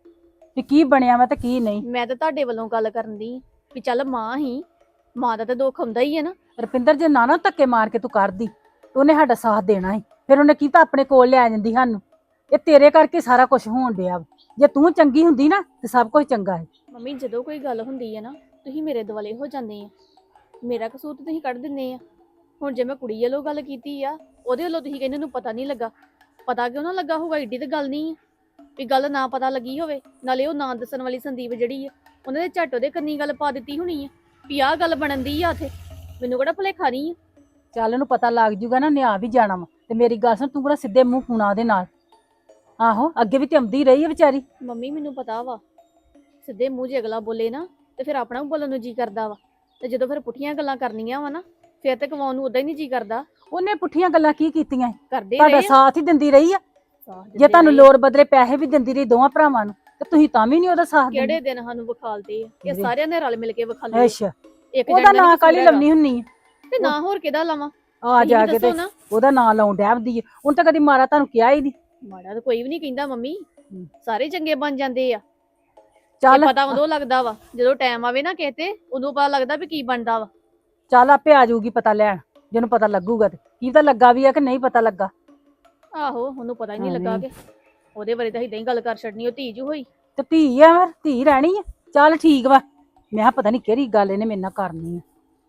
ਵੀ ਕੀ ਬਣਿਆ ਵਾ ਤੇ ਕੀ ਨਹੀਂ। ਮੈਂ ਤਾਂ ਤੁਹਾਡੇ ਵੱਲੋਂ ਗੱਲ ਕਰਨ ਦੀ ਵੀ ਚੱਲ ਮਾਂ ਹੀ, ਮਾਂ ਦਾ ਤਾਂ ਦੁੱਖ ਹੁੰਦਾ ਹੀ ਹੈ ਨਾ। ਰੁਪਿੰਦਰ ਜੇ ਨਾ ਨਾ ਧੱਕੇ ਮਾਰ ਕੇ ਤੂੰ ਕਰਦੀ ਤੇ ਉਹਨੇ ਸਾਡਾ ਸਾਥ ਦੇਣਾ ਸੀ। ਫਿਰ ਉਹਨੇ ਕੀਤਾ ਆਪਣੇ ਕੋਲ ਲਿਆ ਜਾਂਦੀ ਸਾਨੂੰ। ਇਹ ਤੇਰੇ ਕਰਕੇ ਸਾਰਾ ਕੁਝ ਹੋਣ ਡਿਆ ਵਾ। ਜੇ ਤੂੰ ਚੰਗੀ ਹੁੰਦੀ ਨਾ ਤੇ ਸਭ ਕੁਝ ਚੰਗਾ ਹੈ। ਮੰਮੀ ਜਦੋਂ ਕੋਈ ਗੱਲ ਹੁੰਦੀ ਹੈ ਨਾ, ਤੁਸੀਂ ਮੇਰੇ ਦੁਆਲੇ ਹੋ ਜਾਂਦੇ ਆ। ਮੇਰਾ ਕਸੂਰ ਤਾਂ ਤੁਸੀਂ ਕੱਢ ਦਿੰਦੇ ਆ। ਹੁਣ ਜੇ ਮੈਂ ਕੁੜੀ ਵੱਲੋਂ ਗੱਲ ਕੀਤੀ ਆ, ਉਹਦੇ ਵੱਲੋਂ ਤੁਸੀਂ ਕਹਿੰਦੇ ਉਹਨੂੰ ਪਤਾ ਨਹੀਂ ਲੱਗਾ। ਪਤਾ ਕਿਉਂ ਨਾ ਲੱਗਾ ਹੋਊਗਾ? ਏਡੀ ਤਾਂ ਗੱਲ ਨਹੀਂ ਆ ਵੀ ਗੱਲ ਨਾ ਪਤਾ ਲੱਗੀ ਹੋਵੇ। ਨਾਲੇ ਉਹ ਨਾਂ ਦੱਸਣ ਵਾਲੀ ਸੰਦੀਪ ਜਿਹੜੀ ਆ, ਉਹਨੇ ਦੇ ਝੱਟ ਉਹਦੇ ਕੰਨੀ ਗੱਲ ਪਾ ਦਿੱਤੀ ਹੋਣੀ ਆ ਵੀ ਆਹ ਗੱਲ ਬਣਨ ਦੀ ਆ ਉੱਥੇ। ਮੈਨੂੰ ਕਿਹੜਾ ਭੁਲੇਖਾ ਨਹੀਂ ਆ। ਚੱਲ ਉਹਨੂੰ ਪਤਾ ਲੱਗ ਜੂਗਾ ਨਾ, ਨਿਆ ਵੀ ਜਾਣਾ ਵਾ। ਤੇ ਮੇਰੀ ਗੱਲ ਸੁਣ, ਤੂੰ ਕਿਹੜਾ ਸਿੱਧੇ ਮੂੰਹ ਖੂਣਾ ਉਹਦੇ ਨਾਲ? ਆਹੋ, ਅੱਗੇ ਵੀ ਤੇ ਆਉਂਦੀ ਰਹੀ ਹੈ ਵਿਚਾਰੀ। ਮੰਮੀ ਮੈਨੂੰ ਪਤਾ ਵਾ, ਸਿੱਧੇ ਮੂੰਹ ਜੇ ਅਗਲਾ ਬੋਲੇ ਨਾ ਤੇ ਫਿਰ ਆਪਣਾ ਵੀ ਬੋਲਣ ਨੂੰ ਜੀ ਕਰਦਾ ਵਾ। ਤੇ ਜਦੋਂ ਫਿਰ ਪੁੱਠੀਆਂ ਗੱਲਾਂ ਕਰਨੀਆਂ ਵਾ ਨਾ, ਫਿਰ ਤੇ ਕਵਾਉਣ ਨੂੰ ਉਦਾਂ ਹੀ ਨਹੀਂ ਜੀ ਕਰਦਾ। ਉਹਨੇ ਪੁੱਠੀਆਂ ਗੱਲਾਂ ਕੀ ਕੀਤੀਆਂ? ਕਰਦੇ ਤੁਹਾਡਾ ਰਹੇ ਆ। ਸਾਥ ਹੀ ਦਿੰਦੀ ਰਹੀ ਆ। ਸਾਥ ਜੇ ਦਿੰਦੇ ਤੁਹਾਨੂੰ ਰਹੇ। ਲੋੜ ਬਦਲੇ ਪੈਸੇ ਵੀ ਦਿੰਦੀ ਰਹੀ ਦੋਵਾਂ ਭਰਾਵਾਂ ਨੂੰ, ਤੇ ਤੁਸੀਂ ਤਾਂ ਵੀ ਨਹੀਂ ਉਹਦਾ ਸਾਥ ਦਿੰਦੇ। ਕਿਹੜੇ ਦਿਨ ਸਾਨੂੰ ਵਿਖਾਲਦੇ ਆ? ਇਹ ਕਿਹੜੇ? ਸਾਰਿਆਂ ਨੇ ਰਲ ਮਿਲ ਕੇ ਵਿਖਾਲੇ। ਅੱਛਾ, ਇੱਕ ਉਹਦਾ ਜਣੇ ਦਾ ਨਾਂ ਨੀ ਕਾਲੀ ਕਸੂਰ ਲੰਮੀ ਹੁੰਨੀ ਆ। ਹੈਗਾ। ਤੇ ਨਾ ਹੋਰ ਕਿਹਦਾ ਲਾਵਾਂ? ਆ ਤੁਸੀਂ ਜਾ ਵੀ ਕੇ ਦੱਸੋ ਤੇ ਨਾ। ਉਹਦਾ ਨਾਂ ਲਾਉਣ ਡੈਬਦੀ ਆ। ਹੁਣ ਤਾਂ ਕਦੀ ਮਾਰਾ ਤੁਹਾਨੂੰ ਕਿਹਾ ਹੀ ਨਹੀਂ। ਮਾੜਾ ਤਾਂ ਕੋਈ ਵੀ ਨਹੀਂ ਕਹਿੰਦਾ ਮੰਮੀ, ਹੂੰ। ਸਾਰੇ ਚੰਗੇ ਬਣ ਜਾਂਦੇ ਆ। ਚੱਲ ਤੇ ਪਤਾ ਉਦੋਂ ਲੱਗਦਾ ਵਾ ਜਦੋਂ ਟਾਈਮ ਆਵੇ ਨਾ ਕਿਸੇ ਤੇ, ਉਦੋਂ ਪਤਾ ਲੱਗਦਾ ਵੀ ਕੀ ਬਣਦਾ ਵਾ। ਚੱਲ ਆਪੇ ਆ ਜਾਊਗੀ ਪਤਾ ਲੈਣ, ਜਿਹਨੂੰ ਪਤਾ ਲੱਗੂਗਾ। ਤੇ ਕੀ ਤਾਂ ਲੱਗਾ ਵੀ ਆ ਕਿ ਨਹੀਂ ਪਤਾ ਲੱਗਾ। ਆਹੋ, ਉਹਨੂੰ ਪਤਾ ਹੀ ਨਹੀਂ ਹਾਂ, ਲੱਗਾ ਨਹੀਂ। ਕਿ ਉਹਦੇ ਬਾਰੇ ਤਾਂ ਇਦਾਂ ਹੀ ਗੱਲ ਕਰ ਛੱਡਣੀ। ਉਹ ਧੀ ਜੂ ਹੋਈ। ਤੇ ਧੀ ਆ, ਫਿਰ ਧੀ ਰਹਿਣੀ ਆ। ਚੱਲ ਠੀਕ ਵਾ। ਮੈਂ ਕਿਹਾ ਪਤਾ ਨਹੀਂ ਕਿਹੜੀ ਗੱਲ ਇਹਨੇ ਮੇਰੇ ਨਾਲ ਕਰਨੀ ਆ।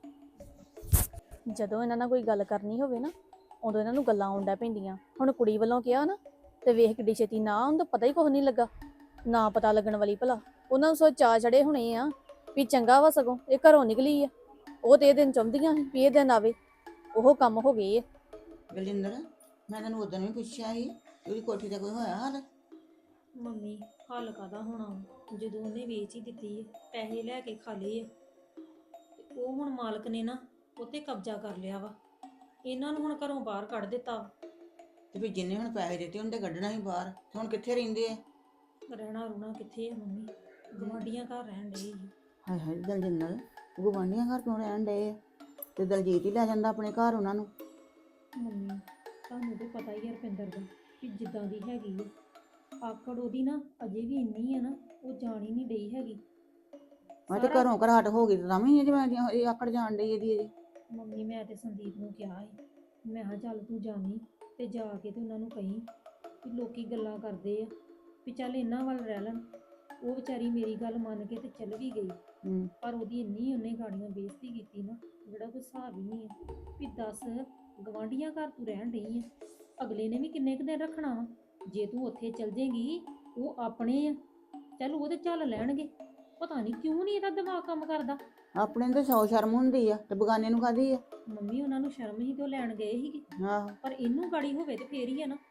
ਜਦੋਂ ਇਹਨਾਂ ਨਾਲ ਕੋਈ ਗੱਲ ਕਰਨੀ ਹੋਵੇ ਨਾ, ਉਦੋਂ ਇਹਨਾਂ ਨੂੰ ਗੱਲਾਂ ਆਉਂਦਾ ਪੈਂਦੀਆਂ। ਹੁਣ ਕੁੜੀ ਵੱਲੋਂ ਕਿਹਾ ਨਾ, ਤੇ ਵੇਖ ਕਿੱਡੀ ਛੇਤੀ ਨਾ, ਉਹਨੂੰ ਤਾਂ ਪਤਾ ਹੀ ਕੁਝ ਨਹੀਂ ਲੱਗਾ। ਨਾ ਪਤਾ ਲੱਗਣ ਵਾਲੀ ਭਲਾ। ਉਹਨਾਂ ਨੂੰ ਸੋ ਚਾਅ ਚੜੇ ਹੋਣੇ ਆ ਵੀ ਚੰਗਾ ਵਾ, ਸਗੋਂ ਇਹ ਘਰੋਂ ਨਿਕਲੀ ਆ। ਉਹ ਤੇ ਇਹ ਦਿਨ ਚਾਹੁੰਦੀਆਂ ਸੀ ਵੀ ਇਹ ਦਿਨ ਆਵੇ। ਉਹ ਕੰਮ ਹੋ ਗਏ ਆ। ਬਲਜਿੰਦਰ, ਮੈਂ ਤੈਨੂੰ ਉਦੋਂ ਵੀ ਪੁੱਛਿਆ ਸੀ ਉਹਦੀ ਕੋਠੀ ਦਾ ਕੋਈ ਹੋਇਆ ਹਾਲ? ਮੰਮੀ ਹੱਲ ਕਾਹਦਾ ਹੋਣਾ ਵਾ? ਜਦੋਂ ਉਹਨੇ ਵੇਚ ਹੀ ਦਿੱਤੀ ਹੈ, ਪੈਸੇ ਲੈ ਕੇ ਖਾ ਲਏ ਆ, ਤੇ ਉਹ ਹੁਣ ਮਾਲਕ ਨੇ ਨਾ ਉੱਤੇ ਕਬਜ਼ਾ ਕਰ ਲਿਆ ਵਾ। ਇਹਨਾਂ ਨੂੰ ਹੁਣ ਘਰੋਂ ਬਾਹਰ ਕੱਢ ਦਿੱਤਾ ਵਾ। ਤੇ ਫਿਰ ਜਿੰਨੇ ਹੁਣ ਪੈਸੇ ਦਿੱਤੇ ਉਹਨੇ ਕੱਢਣਾ ਸੀ ਬਾਹਰ। ਤੇ ਹੁਣ ਕਿੱਥੇ ਰਹਿੰਦੇ ਆ? ਰਹਿਣਾ ਰੁਣਾ ਕਿੱਥੇ ਆ ਮੰਮੀ? ਗੁਆਂਢੀਆਂ ਘਰ ਰਹਿਣ ਡਏ ਸੀ। ਹਾਏ ਹਾਏ ਦਲਜਿੰਦਰ, ਗੁਆਂਢੀਆਂ ਘਰ ਕਿਉਂ ਰਹਿਣ ਡਏ ਆ? ਤੇ ਦਲਜੀਤ ਹੀ ਲੈ ਜਾਂਦਾ ਆਪਣੇ ਘਰ ਉਹਨਾਂ ਨੂੰ। ਮੰਮੀ ਤੁਹਾਨੂੰ ਤਾਂ ਪਤਾ ਹੀ ਆ ਰੁਪਿੰਦਰ ਦਾ ਕਿ ਜਿੱਦਾਂ ਦੀ ਹੈਗੀ ਆ, ਆਕੜ ਉਹਦੀ ਨਾ ਅਜੇ ਵੀ ਇੰਨੀ ਆ ਨਾ, ਉਹ ਜਾਣ ਹੀ ਨਹੀਂ ਡਈ ਹੈਗੀ। ਮੈਂ ਤੇ ਸਾਰਾ- ਘਰੋਂ ਘਰਾਟ ਹੋ ਗਈ ਤਾਂ ਵੀ ਜਿਵੇਂ ਇਹ ਆਕੜ ਜਾਣ ਡਈ ਇਹਦੀ ਇਹਦੀ। ਮੰਮੀ ਮੈਂ ਤੇ ਸੰਦੀਪ ਨੂੰ ਕਿਹਾ ਸੀ, ਮੈਂ ਕਿਹਾ ਚੱਲ ਤੂੰ ਜਾਵੀਂ ਤੇ ਜਾ ਕੇ ਤੇ ਉਹਨਾਂ ਨੂੰ ਕਹੀਂ ਕਿ ਲੋਕੀ ਗੱਲਾਂ ਕਰਦੇ ਆ ਵੀ ਚੱਲ ਇਹਨਾਂ ਵੱਲ ਰਹਿ ਲੈਣ। ਉਹ ਵਿਚਾਰੀ ਮੇਰੀ ਗੱਲ ਮੰਨ ਕੇ ਤੇ ਚੱਲ ਵੀ ਗਈ। ਹੂੰ। ਪਰ ਉਹਦੀ ਇੰਨੀ ਉਹਨੇ ਗਾੜੀਆਂ ਬੇਇੱਜ਼ਤੀ ਕੀਤੀ ਨਾ, ਜਿਹੜਾ ਕੋਈ ਹਿਸਾਬ ਹੀ ਨਹੀਂ ਹੈ। ਵੀ ਦੱਸ, ਗਵਾਂਢੀਆਂ ਘਰ ਤੂੰ ਰਹਿਣ ਡਈ ਆ, ਅਗਲੇ ਨੇ ਵੀ ਕਿੰਨੇ ਕੁ ਦਿਨ ਰੱਖਣਾ ਵਾ? ਜੇ ਤੂੰ ਉੱਥੇ ਚਲ ਜੇਂਗੀ, ਉਹ ਆਪਣੇ ਆ, ਚੱਲ ਉਹਦੇ ਚੱਲ ਲੈਣਗੇ। ਪਤਾ ਨਹੀਂ ਕਿਉਂ ਨਹੀਂ ਇਹਦਾ ਦਿਮਾਗ ਕੰਮ ਕਰਦਾ। ਆਪਣੇ ਨੂੰ ਤਾਂ ਸੌ ਸ਼ਰਮ ਹੁੰਦੀ ਆ ਤੇ ਬਗਾਨੇ ਨੂੰ ਕਾਹਦੀ ਆ। ਮੰਮੀ ਉਹਨਾਂ ਨੂੰ ਸ਼ਰਮ ਹੀ ਤੇ ਉਹ ਲੈਣ ਗਏ ਸੀਗੇ, ਆਹੋ, ਪਰ ਇਹਨੂੰ ਗਾੜੀ ਹੋਵੇ ਤੇ ਫੇਰ ਹੀ ਆ ਨਾ।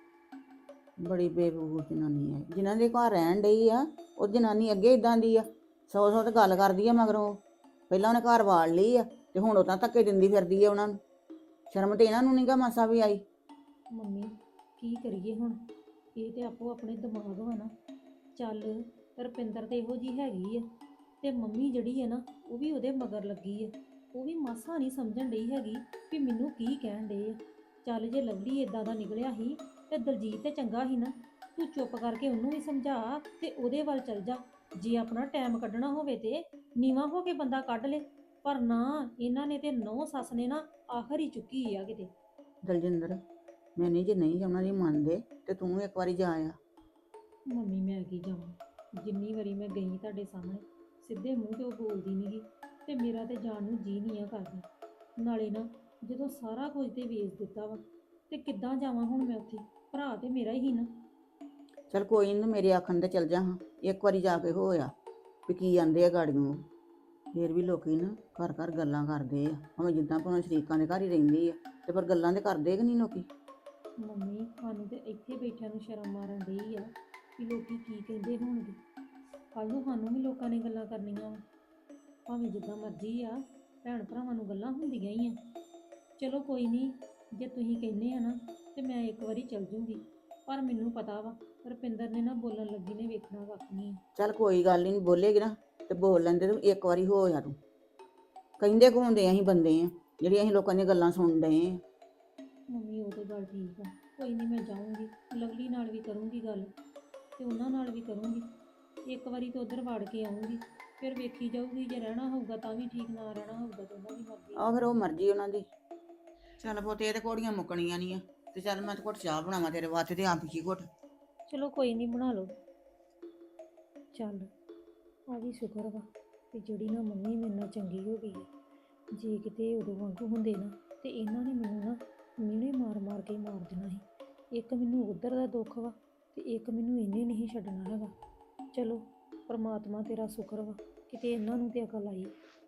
ਬੜੀ ਬੇਵਕੂਫ ਜਨਾਨੀ ਆ ਜਿਨ੍ਹਾਂ ਦੇ ਘਰ ਰਹਿਣ ਡਈ ਆ। ਉਹ ਜਨਾਨੀ ਅੱਗੇ ਇਦਾਂ ਦੀ ਆ, ਸੌ ਸੌ ਤੇ ਗੱਲ ਕਰਦੀ ਆ ਮਗਰੋਂ। ਪਹਿਲਾਂ ਉਹਨੇ ਘਰ ਵਾੜ ਲਈ ਆ ਤੇ ਹੁਣ ਉਹ ਤਾਂ ਧੱਕੇ ਦਿੰਦੀ ਫਿਰਦੀ ਆ ਉਹਨਾਂ ਨੂੰ। ਸ਼ਰਮ ਤੇ ਇਹਨਾਂ ਨੂੰ ਨੀ ਗਾ ਮਾਸਾ ਵੀ ਆਈ। ਮੰਮੀ ਕੀ ਕਰੀਏ ਹੁਣ, ਇਹ ਤੇ ਆਪੋ ਆਪਣੇ ਦਿਮਾਗ ਵਾ ਨਾ। ਚੱਲ ਰੁਪਿੰਦਰ ਤੇ ਇਹੋ ਜੀ ਹੈਗੀ ਆ, ਤੇ ਮੰਮੀ ਜਿਹੜੀ ਆ ਨਾ ਉਹ ਵੀ ਉਹਦੇ ਮਗਰ ਲੱਗੀ ਆ। ਉਹ ਵੀ ਮਾਸਾ ਨਹੀਂ ਸਮਝਣ ਡਈ ਹੈਗੀ ਵੀ ਮੈਨੂੰ ਕੀ ਕਹਿਣ ਡਏ ਆ। ਚੱਲ ਜੇ ਲਵਲੀ ਇਦਾਂ ਦਾ ਨਿਕਲਿਆ ਸੀ ਤੇ ਦਲਜੀਤ ਤੇ ਚੰਗਾ ਸੀ ਨਾ, ਤੂੰ ਚੁੱਪ ਕਰਕੇ ਉਹਨੂੰ ਵੀ ਸਮਝਾ ਤੇ ਉਹਦੇ ਵੱਲ ਚੱਲ ਜਾ। ਜੇ ਆਪਣਾ ਟਾਈਮ ਕੱਢਣਾ ਹੋਵੇ ਤੇ ਨੀਵਾਂ ਹੋ ਕੇ ਬੰਦਾ ਕੱਢ ਲੇ, ਪਰ ਨਾ ਇਹਨਾਂ ਨੇ ਤੇ ਨੌ ਸੱਸ ਨੇ ਨਾ ਆਖਰ ਹੀ ਚੁੱਕੀ ਆ ਕਿਤੇ। ਦਲਜਿੰਦਰ, ਮੈਂ ਨਹੀਂ ਜੇ ਨਹੀਂ ਉਹਨਾਂ ਦੀ ਮੰਨਦੇ ਤੇ ਤੂੰ ਇੱਕ ਵਾਰੀ ਜਾ ਆ। ਮੰਮੀ ਮੈਂ ਕੀ ਜਾਵਾਂ, ਜਿੰਨੀ ਵਾਰੀ ਮੈਂ ਗਈ ਤੁਹਾਡੇ ਸਾਹਮਣੇ ਸਿੱਧੇ ਮੂੰਹ ਤੇ ਉਹ ਬੋਲਦੀ ਨਹੀਂ ਗੀ, ਤੇ ਮੇਰਾ ਤੇ ਜਾਣ ਨੂੰ ਜੀ ਨਹੀਂ ਆ ਕਰਦਾ। ਨਾਲੇ ਨਾ ਜਦੋਂ ਸਾਰਾ ਕੁਝ ਤੇ ਵੇਚ ਦਿੱਤਾ ਵਾ ਤੇ ਕਿੱਦਾਂ ਜਾਵਾਂ ਹੁਣ ਮੈਂ ਉੱਥੇ, ਭਰਾ ਤੇ ਮੇਰਾ ਹੀ ਨਾ। ਚਲ ਕੋਈ ਨੀ, ਮੇਰੇ ਆਖਣ ਤੇ ਚੱਲ ਜਾ ਹਾਂ, ਇੱਕ ਵਾਰੀ ਜਾ ਕੇ ਹੋਇਆ ਵੀ ਕੀ ਆਂਦੇ ਆ ਗਾੜੀਆਂ। ਫੇਰ ਵੀ ਲੋਕੀ ਨਾ ਘਰ ਘਰ ਗੱਲਾਂ ਕਰਦੇ ਆ, ਭਾਵੇਂ ਜਿੱਦਾਂ ਭਾਵੇਂ ਸ਼ਰੀਕਾਂ ਦੇ ਘਰ ਹੀ ਰਹਿੰਦੀ ਆ, ਤੇ ਪਰ ਗੱਲਾਂ ਤੇ ਕਰਦੇ ਕਿ ਨਹੀਂ ਲੋਕੀ। ਮੰਮੀ ਸਾਨੂੰ ਤੇ ਇੱਥੇ ਬੈਠਿਆਂ ਨੂੰ ਸ਼ਰਮ ਮਾਰਨ ਡਈ ਆ ਵੀ ਲੋਕੀ ਕੀ ਕਹਿੰਦੇ ਹੋਣਗੇ। ਕੱਲ ਨੂੰ ਸਾਨੂੰ ਵੀ ਲੋਕਾਂ ਨੇ ਗੱਲਾਂ ਕਰਨੀਆਂ ਵਾ। ਭਾਵੇਂ ਜਿੱਦਾਂ ਮਰਜ਼ੀ ਆ, ਭੈਣ ਭਰਾਵਾਂ ਨੂੰ ਗੱਲਾਂ ਹੁੰਦੀਆਂ ਹੀ ਆ। ਚਲੋ ਕੋਈ ਨਹੀਂ, ਜੇ ਤੁਸੀਂ ਕਹਿੰਦੇ ਆ ਨਾ ਤੇ ਮੈਂ ਇੱਕ ਵਾਰੀ ਚੱਲ ਜੂੰਗੀ, ਪਰ ਮੈਨੂੰ ਪਤਾ ਵਾ ਰੁਪਿੰਦਰ ਨੇ ਨਾ ਬੋਲਣ ਲੱਗੀ ਨੇ ਵੇਖਣਾ ਕੱਖ ਨਹੀਂ। ਚੱਲ ਕੋਈ ਗੱਲ ਨਹੀਂ, ਬੋਲੇਗੀ ਨਾ ਤੇ ਬੋਲ ਲੈਂਦੇ, ਤੂੰ ਇੱਕ ਵਾਰੀ ਹੋ ਜਾ। ਤੂੰ ਕਹਿੰਦੇ ਘੁੰਮਦੇ ਅਸੀਂ ਬੰਦੇ ਆ ਜਿਹੜੀਆਂ ਅਸੀਂ ਲੋਕਾਂ ਦੀਆਂ ਗੱਲਾਂ ਸੁਣ ਡਏ ਆ। ਮੰਮੀ ਉਹ ਤੇ ਗੱਲ ਠੀਕ ਆ, ਕੋਈ ਨਹੀਂ ਮੈਂ ਜਾਊਂਗੀ, ਲਵਲੀ ਨਾਲ ਵੀ ਕਰੂੰਗੀ ਗੱਲ ਤੇ ਉਹਨਾਂ ਨਾਲ ਵੀ ਕਰੂੰਗੀ। ਇੱਕ ਵਾਰੀ ਤਾਂ ਉਧਰ ਵੜ ਕੇ ਆਊਂਗੀ, ਫਿਰ ਵੇਖੀ ਜਾਊਗੀ। ਜੇ ਰਹਿਣਾ ਹੋਊਗਾ ਤਾਂ ਵੀ ਠੀਕ, ਨਾ ਰਹਿਣਾ ਹੋਊਗਾ ਤਾਂ ਉਹਨਾਂ ਦੀ ਮਰਜ਼ੀ। ਆਹ ਫਿਰ ਉਹ ਮਰਜ਼ੀ ਉਹਨਾਂ ਦੀ। ਚੱਲ ਪੁੱਤ, ਇਹ ਤੇ ਘੋੜੀਆਂ ਮੁੱਕਣੀਆਂ ਨਹੀਂ ਆ। ਤੇ ਚੱਲ ਮੈਂ ਤੇ ਘੁੱਟ ਚਾਹ ਬਣਾਵਾਂ ਤੇਰੇ ਵਾਸਤੇ ਤੇ ਆਪ ਹੀ ਘੁੱਟ। ਚਲੋ ਕੋਈ ਨਹੀਂ, ਬਣਾ ਲਓ। ਚੱਲ ਆ ਵੀ ਸ਼ੁਕਰ ਵਾ ਕਿ ਜਿਹੜੀ ਨਾ ਮੰਮੀ ਮੇਰੇ ਨਾਲ ਚੰਗੀ ਹੋ ਗਈ ਹੈ। ਜੇ ਕਿਤੇ ਉਦੋਂ ਵਾਂਗੂ ਹੁੰਦੇ ਨਾ ਤੇ ਇਹਨਾਂ ਨੇ ਮੈਨੂੰ ਨਾ ਮਿਹਣੇ ਮਾਰ ਮਾਰ ਕੇ ਮਾਰ ਦੇਣਾ ਸੀ। ਇੱਕ ਮੈਨੂੰ ਉਧਰ ਦਾ ਦੁੱਖ ਵਾ ਤੇ ਇੱਕ ਮੈਨੂੰ ਇਹਨੇ ਨਹੀਂ ਛੱਡਣਾ ਹੈਗਾ। ਚਲੋ ਪਰਮਾਤਮਾ ਤੇਰਾ ਸ਼ੁਕਰ ਵਾ ਕਿਤੇ ਇਹਨਾਂ ਨੂੰ ਤੇ ਅਕਲ ਆਈ।